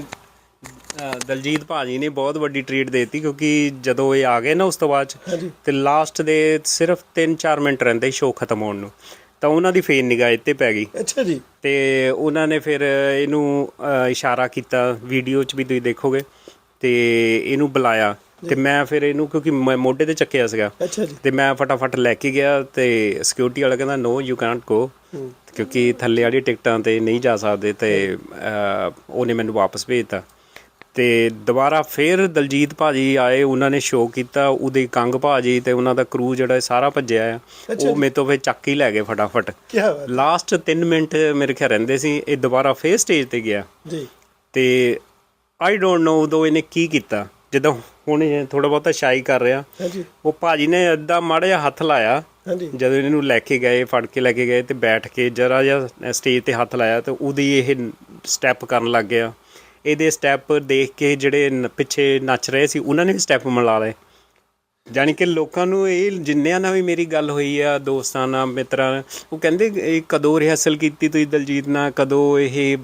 S2: ਅ, ਦਲਜੀਤ ਭਾਜੀ ਨੇ ਬਹੁਤ ਵੱਡੀ ਟਰੀਟ ਦੇਤੀ, ਕਿਉਂਕਿ ਜਦੋਂ ਇਹ ਆ ਗਏ ਨਾ ਉਸ ਤੋਂ ਬਾਅਦ 'ਚ
S1: ਹਾਂਜੀ
S2: ਤੇ ਲਾਸਟ ਦੇ ਸਿਰਫ ਤਿੰਨ ਚਾਰ ਮਿੰਟ ਰਹਿੰਦੇ ਸ਼ੋਅ ਖਤਮ ਹੋਣ ਨੂੰ, ਤਾਂ ਉਹਨਾਂ ਦੀ ਫੇਨ ਨਿਗਾਹ ਇੱਥੇ ਪੈ ਗਈ।
S1: ਅੱਛਾ ਜੀ।
S2: ਤੇ ਉਹਨਾਂ ਨੇ ਫਿਰ ਇਹਨੂੰ ਅ, ਇਸ਼ਾਰਾ ਕੀਤਾ, ਵੀਡੀਓ 'ਚ ਵੀ ਤੁਸੀਂ ਦੇਖੋਗੇ, ਤੇ ਇਹਨੂੰ ਬੁਲਾਇਆ। ਤੇ ਮੈਂ ਫਿਰ ਇਹਨੂੰ, ਕਿਉਂਕਿ ਮੈਂ ਮੋਢੇ ਤੇ ਚੱਕਿਆ ਸੀਗਾ,
S1: ਅੱਛਾ ਜੀ।
S2: ਤੇ ਮੈਂ ਫਟਾਫਟ ਲੈ ਕੇ ਗਿਆ, ਤੇ ਸਿਕਿਉਰਿਟੀ ਵਾਲਾ ਕਹਿੰਦਾ ਨੋ ਯੂ ਕੈਨਟ ਗੋ, ਕਿਉਂਕਿ ਥੱਲੇ ਵਾਲੀ ਟਿਕਟਾਂ ਤੇ ਨਹੀਂ ਜਾ ਸਕਦੇ, ਤੇ ਅ, ਉਹਨੇ ਮੈਨੂੰ ਵਾਪਸ ਭੇਜਤਾ। ਤੇ ਦੁਬਾਰਾ ਫਿਰ ਦਲਜੀਤ ਭਾਜੀ ਆਏ, ਉਹਨਾਂ ਨੇ ਸ਼ੋਅ ਕੀਤਾ, ਉਹਦੇ ਕੰਗ ਭਾਜੀ ਤੇ ਉਹਨਾਂ ਦਾ ਕਰੂ ਜਿਹੜਾ ਸਾਰਾ ਭੱਜਿਆ ਆ, ਉਹ ਮੇਰੇ ਤੋਂ ਫਿਰ ਚੱਕ ਹੀ ਲੈ ਗਏ ਫਟਾਫਟ।
S1: ਕੀ ਬਾਤ
S2: ਲਾਸਟ ਤਿੰਨ ਮਿੰਟ ਮੇਰੇ ਖਿਆਲ ਰਹਿੰਦੇ ਸੀ, ਇਹ ਦੁਬਾਰਾ ਫੇਰ ਸਟੇਜ ਤੇ ਗਿਆ।
S1: ਜੀ।
S2: ਤੇ ਆਈ ਡੋਂਟ ਨੋ ਉਦੋਂ ਇਹਨੇ ਕੀ ਕੀਤਾ, ਜਦੋਂ ਹੁਣ ਇਹ ਥੋੜਾ ਬਹੁਤਾ ਸ਼ਾਈ ਕਰ ਰਿਹਾ,
S1: ਹਾਂਜੀ
S2: ਉਹ ਭਾਜੀ ਨੇ ਅੱਧਾ ਮਾੜਾ ਜਿਹਾ ਹੱਥ ਲਾਇਆ
S1: ਹਾਂਜੀ
S2: ਜਦੋਂ ਇਹਨੂੰ ਲੈ ਕੇ ਗਏ, ਫੜ ਕੇ ਲੈ ਕੇ ਗਏ, ਤੇ ਬੈਠ ਕੇ ਜਰਾ ਜਿਹਾ ਸਟੇਜ ਤੇ ਹੱਥ ਲਾਇਆ, ਤੇ ਉਹਦੀ ਇਹ ਸਟੈਪ ਕਰਨ ਲੱਗ ਗਿਆ। ਇਹਦੇ ਸਟੈਪ ਦੇਖ ਕੇ ਜਿਹੜੇ ਨ- ਪਿੱਛੇ ਨੱਚ ਰਹੇ ਸੀ ਉਹਨਾਂ ਨੇ ਵੀ ਸਟੈਪ ਮਿਲਾ ਲਏ। ਜਾਣੀ ਕਿ ਲੋਕਾਂ ਨੂੰ ਇਹ, ਜਿੰਨਿਆਂ ਨਾਲ ਵੀ ਮੇਰੀ ਗੱਲ ਹੋਈ ਆ, ਦੋਸਤਾਂ ਨਾਲ, ਮਿੱਤਰਾਂ ਨਾਲ, ਉਹ ਕਹਿੰਦੇ ਇਹ ਕਦੋਂ ਰਿਹਰਸਲ ਕੀਤੀ ਤੁਸੀਂ ਦਲਜੀਤ ਨਾਲ, ਕਦੋਂ ਇਹ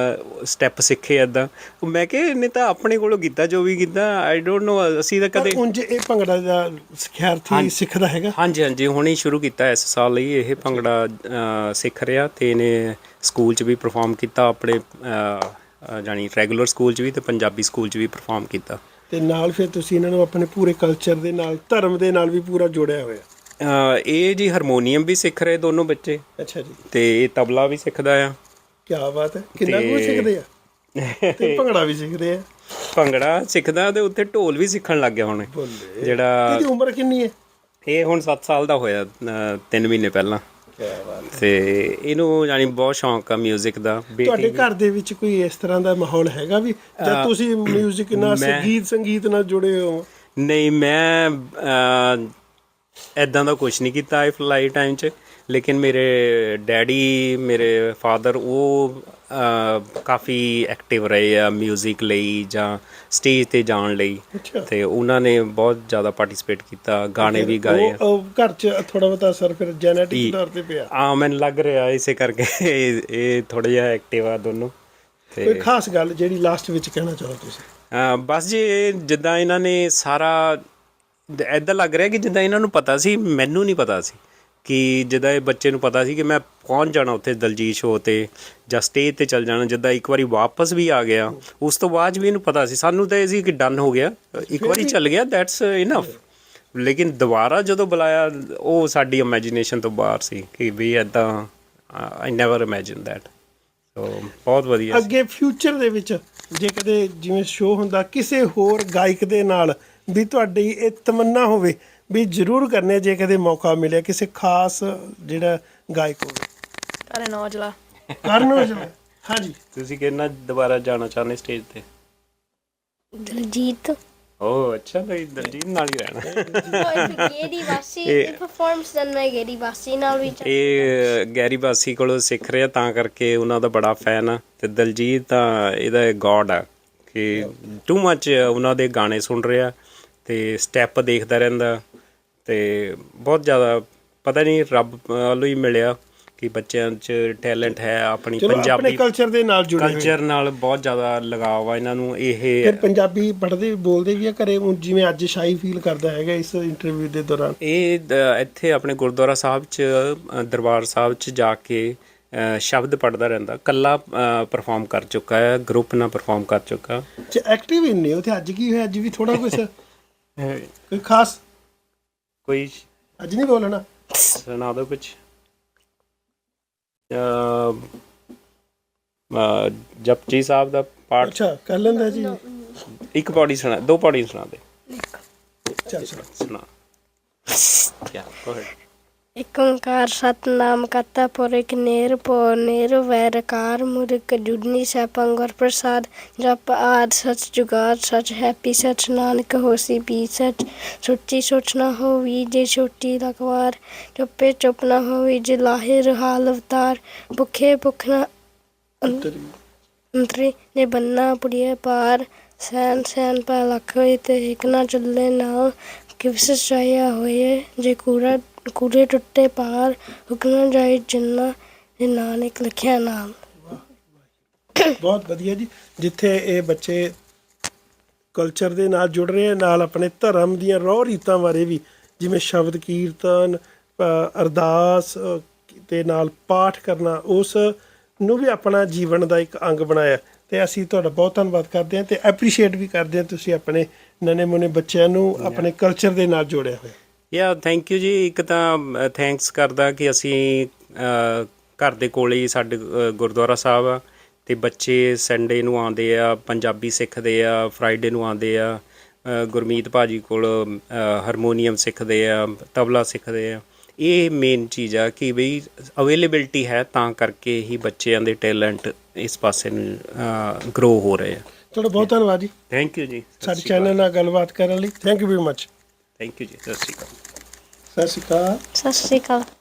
S2: ਸਟੈਪ ਸਿੱਖੇ ਇੱਦਾਂ? ਮੈਂ ਕਿਹਾ ਇਹਨੇ ਤਾਂ ਆਪਣੇ ਕੋਲੋਂ ਕੀਤਾ ਜੋ ਵੀ ਕੀਤਾ, ਆਈ ਡੋਂਟ ਨੋ, ਅਸੀਂ ਤਾਂ
S1: ਪਰ
S2: ਕਦੇ।
S1: ਉਂਝ ਇਹ ਭੰਗੜਾ ਦਾ ਸਿਖਿਆਰਥੀ ਸਿੱਖਦਾ ਹੈਗਾ?
S2: ਹਾਂਜੀ ਹਾਂਜੀ, ਹੁਣੇ ਸ਼ੁਰੂ ਕੀਤਾ ਇਸ ਸਾਲ ਲਈ ਇਹ ਭੰਗੜਾ ਅ, ਸਿੱਖ ਰਿਹਾ, ਤੇ ਇਹਨੇ ਸਕੂਲ 'ਚ ਵੀ ਪਰਫਾਰਮ ਕੀਤਾ, ਆਪਣੇ ਅ, ਅ, ਜਾਣੀ ਰੈਗੂਲਰ ਸਕੂਲ 'ਚ ਵੀ ਤੇ ਪੰਜਾਬੀ ਸਕੂਲ 'ਚ ਵੀ ਪਰਫਾਰਮ ਕੀਤਾ।
S1: ਤੇ ਨਾਲ ਫਿਰ ਤੁਸੀਂ ਇਹਨਾਂ ਨੂੰ ਆਪਣੇ ਪੂਰੇ ਕਲਚਰ ਦੇ ਨਾਲ, ਧਰਮ ਦੇ ਨਾਲ ਵੀ ਪੂਰਾ ਜੋੜਿਆ ਹੋਇਆ?
S2: ਅ, ਇਹ ਜੀ ਹਾਰਮੋਨੀਅਮ ਵੀ ਸਿੱਖ ਰਹੇ ਦੋਨੋਂ ਬੱਚੇ,
S1: ਅੱਛਾ ਜੀ।
S2: ਤੇ ਇਹ ਤਬਲਾ ਵੀ ਸਿੱਖਦਾ ਆ।
S1: ਕੀ ਬਾਤ ਹੈ। ਕਿੰਨਾ ਕੁ
S2: ਤੇ-
S1: ਸਿੱਖਦੇ ਆ? ਤੇ ਭੰਗੜਾ ਵੀ ਸਿੱਖਦੇ ਆ?
S2: ਭੰਗੜਾ ਸਿੱਖਦਾ, ਤੇ ਉੱਥੇ ਢੋਲ ਵੀ ਸਿੱਖਣ ਲੱਗ ਗਿਆ ਹੁਣ,
S1: ਬੋਲੇ।
S2: ਜਿਹੜਾ
S1: ਇਹਦੀ ਉਮਰ ਕਿੰਨੀ ਹੈ?
S2: ਇਹ ਹੁਣ ਸੱਤ ਸਾਲ ਦਾ ਹੋਇਆ, ਅ, ਤਿੰਨ ਮਹੀਨੇ ਪਹਿਲਾਂ।
S1: ਕੀ ਬਾਤ।
S2: ਤੇ ਇਹਨੂੰ ਜਾਣੀ ਬਹੁਤ ਸ਼ੌਂਕ ਆ ਮਿਊਜ਼ਿਕ ਦਾ।
S1: ਤੁਹਾਡੇ
S2: ਬੇਟੀ
S1: ਘਰ ਦੇ ਵਿੱਚ ਕੋਈ ਇਸ ਤਰ੍ਹਾਂ ਦਾ ਮਾਹੌਲ ਹੈਗਾ ਵੀ ਜਦ ਤੁਸੀਂ ਮਿਊਜ਼ਿਕ ਨਾਲ,
S2: ਮੈਂ-
S1: ਸੰਗੀਤ ਸੰਗੀਤ ਨਾਲ ਜੁੜੇ ਹੋ?
S2: ਨਹੀਂ, ਮੈਂ ਐਦਾਂ ਦਾ ਕੁਝ ਨਹੀਂ ਕੀਤਾ ਆਈ ਫਲਾਈ ਟਾਈਮ 'ਚ, ਲੇਕਿਨ ਮੇਰੇ ਡੈਡੀ, ਮੇਰੇ ਫਾਦਰ, ਉਹ ਅ, ਕਾਫੀ ਐਕਟਿਵ ਰਹੇ ਆ ਮਿਊਜ਼ਿਕ ਲਈ ਜਾਂ ਸਟੇਜ ਤੇ ਜਾਣ ਲਈ,
S1: ਅੱਛਾ।
S2: ਤੇ ਉਹਨਾਂ ਨੇ ਬਹੁਤ ਜ਼ਿਆਦਾ ਪਾਰਟਿਸਿਪੇਟ ਕੀਤਾ, ਗਾਣੇ ਵੀ ਗਾਏ ਆ।
S1: ਉਹ- ਉਹ ਘਰ 'ਚ ਥੋੜਾ ਬਹੁਤਾ ਅਸਰ ਫਿਰ ਜੈਨੇਟਿਕ ਤੌਰ ਤੇ ਪਿਆ?
S2: ਆ ਮੈਨੂੰ ਲੱਗ ਰਿਹਾ ਇਸੇ ਕਰਕੇ ਇਹ ਇਹ ਥੋੜਾ ਜਿਹਾ ਐਕਟਿਵ ਆ ਦੋਨੋਂ।
S1: ਕੋਈ
S2: ਤੇ
S1: ਖਾਸ ਗੱਲ ਜਿਹੜੀ ਲਾਸਟ ਵਿੱਚ ਕਹਿਣਾ ਚਾਹੋ ਤੁਸੀਂ?
S2: ਅ, ਬਸ ਜੀ, ਇਹ ਜਿੱਦਾਂ ਇਹਨਾਂ ਨੇ ਸਾਰਾ ਐਦਾਂ ਲੱਗ ਰਿਹਾ ਕਿ ਜਿੱਦਾਂ ਇਹਨਾਂ ਨੂੰ ਪਤਾ ਸੀ, ਮੈਨੂੰ ਨਹੀਂ ਪਤਾ ਸੀ, ਕਿ ਜਿੱਦਾਂ ਇਹ ਬੱਚੇ ਨੂੰ ਪਤਾ ਸੀ ਕਿ ਮੈਂ ਪਹੁੰਚ ਜਾਣਾ ਉੱਥੇ ਦਲਜੀਤ ਸ਼ੋਅ ਤੇ ਜਾਂ ਸਟੇਜ ਤੇ ਚੱਲ ਜਾਣਾ। ਜਿੱਦਾਂ ਇੱਕ ਵਾਰੀ ਵਾਪਸ ਵੀ ਆ ਗਿਆ, ਉਸ ਤੋਂ ਬਾਅਦ ਵੀ ਇਹਨੂੰ ਪਤਾ ਸੀ, ਸਾਨੂੰ ਤਾਂ ਇਹ ਸੀ ਕਿ ਡਨ ਹੋ ਗਿਆ, ਇੱਕ ਵਾਰੀ ਚੱਲ ਗਿਆ, ਦੈਟਸ ਇਨਫ। ਲੇਕਿਨ ਦੁਬਾਰਾ ਜਦੋਂ ਬੁਲਾਇਆ, ਉਹ ਸਾਡੀ ਇਮੈਜੀਨੇਸ਼ਨ ਤੋਂ ਬਾਹਰ ਸੀ ਕਿ ਵੀ ਇੱਦਾਂ I never imagine that. So ਬਹੁਤ ਵਧੀਆ ਸੀ।
S1: ਅੱਗੇ ਫਿਊਚਰ ਦੇ ਵਿੱਚ ਜੇ ਕਦੇ ਜਿਵੇਂ ਸ਼ੋਅ ਹੁੰਦਾ ਕਿਸੇ ਹੋਰ ਗਾਇਕ ਦੇ ਨਾਲ ਵੀ ਤੁਹਾਡੀ ਇਹ ਤਮੰਨਾ ਹੋਵੇ ਵੀ ਜ਼ਰੂਰ ਕਰਨੇ ਜੇ ਕਦੇ ਮੌਕਾ ਮਿਲਿਆ ਕਿਸੇ ਖਾਸ ਜਿਹੜਾ ਗਾਇਕ ਹੋਵੇ?
S3: ਕਰਨ ਔਜਲਾ।
S1: ਕਰਨ ਔਜਲਾ, ਹਾਂਜੀ।
S2: ਤੁਸੀਂ ਕਿੰਨਾ ਦੁਬਾਰਾ ਜਾਣਾ ਚਾਹੁੰਦੇ ਸਟੇਜ ਤੇ?
S5: ਦਲਜੀਤ
S2: ਓ ਅੱਛਾ, ਤਾਂ ਦਲਜੀਤ ਨਾਲ ਹੀ ਰਹਿਣਾ।
S5: ਗੇਰੀ ਬਾਸੀ
S2: ਇਹ-
S5: ਪਰਫਾਰਮੈਂਸ ਦਨ ਮੈਂ ਗੇਰੀ ਬਾਸੀ ਨਾਲ ਵੀ
S2: ਇਹ ਗੈਰੀ ਬਾਸੀ ਕੋਲੋਂ ਸਿੱਖ ਰਿਹਾ, ਤਾਂ ਕਰਕੇ ਉਹਨਾਂ ਦਾ ਬੜਾ ਫੈਨ ਆ। ਤੇ ਦਲਜੀਤ ਤਾਂ ਇਹਦਾ ਗੋਡ ਆ ਕਿ ਟੂ ਮੱਚ ਉਹਨਾਂ ਦੇ ਗਾਣੇ ਸੁਣ ਰਿਹਾ ਤੇ ਸਟੈਪ ਦੇਖਦਾ ਰਹਿੰਦਾ ਤੇ ਬਹੁਤ ਜ਼ਿਆਦਾ ਪਤਾ ਨਹੀਂ ਰੱਬ ਵੱਲੋਂ ਹੀ ਮਿਲਿਆ ਕਿ ਬੱਚਿਆਂ 'ਚ ਟੈਲੈਂਟ ਹੈ। ਆਪਣੀ
S1: ਚਲੋ ਆਪਣੇ
S2: ਪੰਜਾਬੀ
S1: ਕਲਚਰ ਦੇ ਨਾਲ ਜੁੜੇ ਹੋਏ।
S2: ਕਲਚਰ ਨਾਲ ਬਹੁਤ ਜ਼ਿਆਦਾ ਲਗਾਵ ਆ ਇਹਨਾਂ ਨੂੰ। ਇਹ
S1: ਫਿਰ ਪੰਜਾਬੀ ਪੜ੍ਹਦੇ ਬੋਲਦੇ ਵੀ ਆ ਘਰੇ, ਹੁਣ ਜਿਵੇਂ ਅੱਜ ਸ਼ਾਈ ਫੀਲ ਕਰਦਾ ਹੈਗਾ ਇਸ ਇੰਟਰਵਿਊ ਦੇ ਦੌਰਾਨ?
S2: ਇਹ ਦ- ਇੱਥੇ ਆਪਣੇ ਗੁਰਦੁਆਰਾ ਸਾਹਿਬ 'ਚ ਅ, ਦਰਬਾਰ ਸਾਹਿਬ 'ਚ ਜਾ ਕੇ ਅ, ਸ਼ਬਦ ਪੜ੍ਹਦਾ ਰਹਿੰਦਾ। ਕੱਲਾ ਪਰਫਾਰਮ ਕਰ ਚੁੱਕਾ ਹੈ, ਗਰੁੱਪ ਨਾਲ ਪਰਫਾਰਮ ਕਰ ਚੁੱਕਾ।
S1: ਐਕਟਿਵ ਇੰਨੇ ਉੱਥੇ। ਅੱਜ ਕੀ ਹੋਇਆ? ਅੱਜ ਵੀ ਥੋੜਾ ਕੁਛ ਕੋਈ ਖਾਸ?
S2: ਕੋਈ
S1: ਅੱਜ ਨਹੀਂ ਬੋਲਣਾ?
S2: ਸੁਣਾ ਦਿਓ ਕੁਛ। ਜਪਜੀ ਸਾਹਿਬ ਦਾ ਪਾਠ
S1: ਅੱਛਾ ਕਰ ਲੈਂਦਾ ਜੀ।
S2: ਇੱਕ ਪੌੜੀ ਸੁਣਾ, ਦੋ ਪੌੜੀ ਸੁਣਾ ਦੇ।
S1: ਚੱਲ ਸੁਣਾ।
S2: ਸੁਣਾ ਕਿਆ go ahead।
S5: ਇੱਕ ਓੰਕਾਰ ਸਤਨਾਮ ਕਰਤਾ ਪੁਰਖ ਨਿਰਭਉ ਨਿਰਵੈਰਕਾਰ ਮੁਰਖ ਜੁਗਨੀ ਸੈਭੰ ਗੁਰ ਪ੍ਰਸਾਦ। ਜਪ ਆਦਿ ਸਚ ਜੁਗਾਦ ਸਚ ਹੈਪੀ ਸਚ ਨਾਨਕ ਹੋਸੀ ਪੀ ਸਚ। ਸੋਚੀ ਸੋਚ ਨਾ ਹੋਵੀ ਜੇ ਛੋਟੀ ਲਖਵਾਰ। ਚੁੱਪੇ ਚੁੱਪ ਨਾ ਹੋਵੀ ਜੇ ਲਾਹੇ ਰਹਾਲ ਅਵਤਾਰ। ਭੁੱਖੇ ਭੁੱਖ ਨਾ ਅੰਤਰੀ ਜੇ ਬੰਨਾ ਪੁੜੀਏ ਪਾਰ। ਸੈਨ ਸੈਨ ਪੈ ਲੱਖ ਹੋਏ ਤੇ ਇੱਕ ਨਾ ਚੱਲੇ ਨਾਲ। ਕਿਵਸ ਚਾਹਿਆ ਹੋਏ ਜੇ ਕੂੜਾ ਕੂੜੇ ਟੁੱਟੇ ਪਾਰ। ਹੁਕਮ ਜਾਏ ਜਿੰਨਾ ਜੇ ਨਾਨਕ ਲਿਖਿਆ ਨਾਮ।
S1: ਬਹੁਤ ਵਧੀਆ ਜੀ। ਜਿੱਥੇ ਇਹ ਬੱਚੇ ਕਲਚਰ ਦੇ ਨਾਲ ਜੁੜ ਰਹੇ ਆ, ਨਾਲ ਆਪਣੇ ਧਰਮ ਦੀਆਂ ਰੋਹ ਰੀਤਾਂ ਬਾਰੇ ਵੀ, ਜਿਵੇਂ ਸ਼ਬਦ ਕੀਰਤਨ, ਅ, ਅਰਦਾਸ ਅ, ਤੇ ਨਾਲ ਪਾਠ ਕਰਨਾ, ਉਸ ਨੂੰ ਵੀ ਆਪਣਾ ਜੀਵਨ ਦਾ ਇੱਕ ਅੰਗ ਬਣਾਇਆ। ਤੇ ਅਸੀਂ ਤੁਹਾਡਾ ਬਹੁਤ ਧੰਨਵਾਦ ਕਰਦੇ ਹਾਂ ਤੇ ਐਪਰੀਸ਼ੀਏਟ ਵੀ ਕਰਦੇ ਹਾਂ ਤੁਸੀਂ ਆਪਣੇ ਨਵੇਂ ਮੁੰਨੇ ਬੱਚਿਆਂ ਨੂੰ ਆਪਣੇ ਕਲਚਰ ਦੇ ਨਾਲ ਜੋੜਿਆ ਹੋਇਆ।
S2: ਯਾ ਥੈਂਕ ਯੂ ਜੀ। ਇੱਕ ਤਾਂ ਥੈਂਕਸ ਕਰਦਾ ਕਿ ਅਸੀਂ ਅ, ਘਰ ਦੇ ਕੋਲੇ ਹੀ ਸਾਡੇ ਅ, ਗੁਰਦੁਆਰਾ ਸਾਹਿਬ ਆ ਅਤੇ ਬੱਚੇ ਸੰਡੇ ਨੂੰ ਆਉਂਦੇ ਆ, ਪੰਜਾਬੀ ਸਿੱਖਦੇ ਆ, ਫਰਾਈਡੇ ਨੂੰ ਆਉਂਦੇ ਆ। ਅ, ਗੁਰਮੀਤ ਭਾਜੀ ਕੋਲ ਅ, ਹਾਰਮੋਨੀਅਮ ਸਿੱਖਦੇ ਆ, ਤਬਲਾ ਸਿੱਖਦੇ ਆ। ਇਹ ਮੇਨ ਚੀਜ਼ ਆ ਕਿ ਬਈ ਅਵੇਲੇਬਿਲਟੀ ਹੈ, ਤਾਂ ਕਰਕੇ ਹੀ ਬੱਚਿਆਂ ਦੇ ਟੈਲੈਂਟ ਇਸ ਪਾਸੇ ਨੂੰ ਗਰੋ ਹੋ ਰਹੇ ਆ।
S1: ਤੁਹਾਡਾ ਬਹੁਤ ਧੰਨਵਾਦ ਜੀ
S2: ਥੈਂਕ ਯੂ ਜੀ।
S1: ਸਾਡੇ ਚੈਨਲ ਨਾਲ ਗੱਲਬਾਤ ਕਰਨ ਲਈ। Thank you very much.
S2: Thank you ਜੀ। ਸਤਿ ਸ਼੍ਰੀ ਅਕਾਲ।
S1: ਸਤਿ ਸ਼੍ਰੀ ਅਕਾਲ।
S5: ਸਤਿ ਸ਼੍ਰੀ ਅਕਾਲ।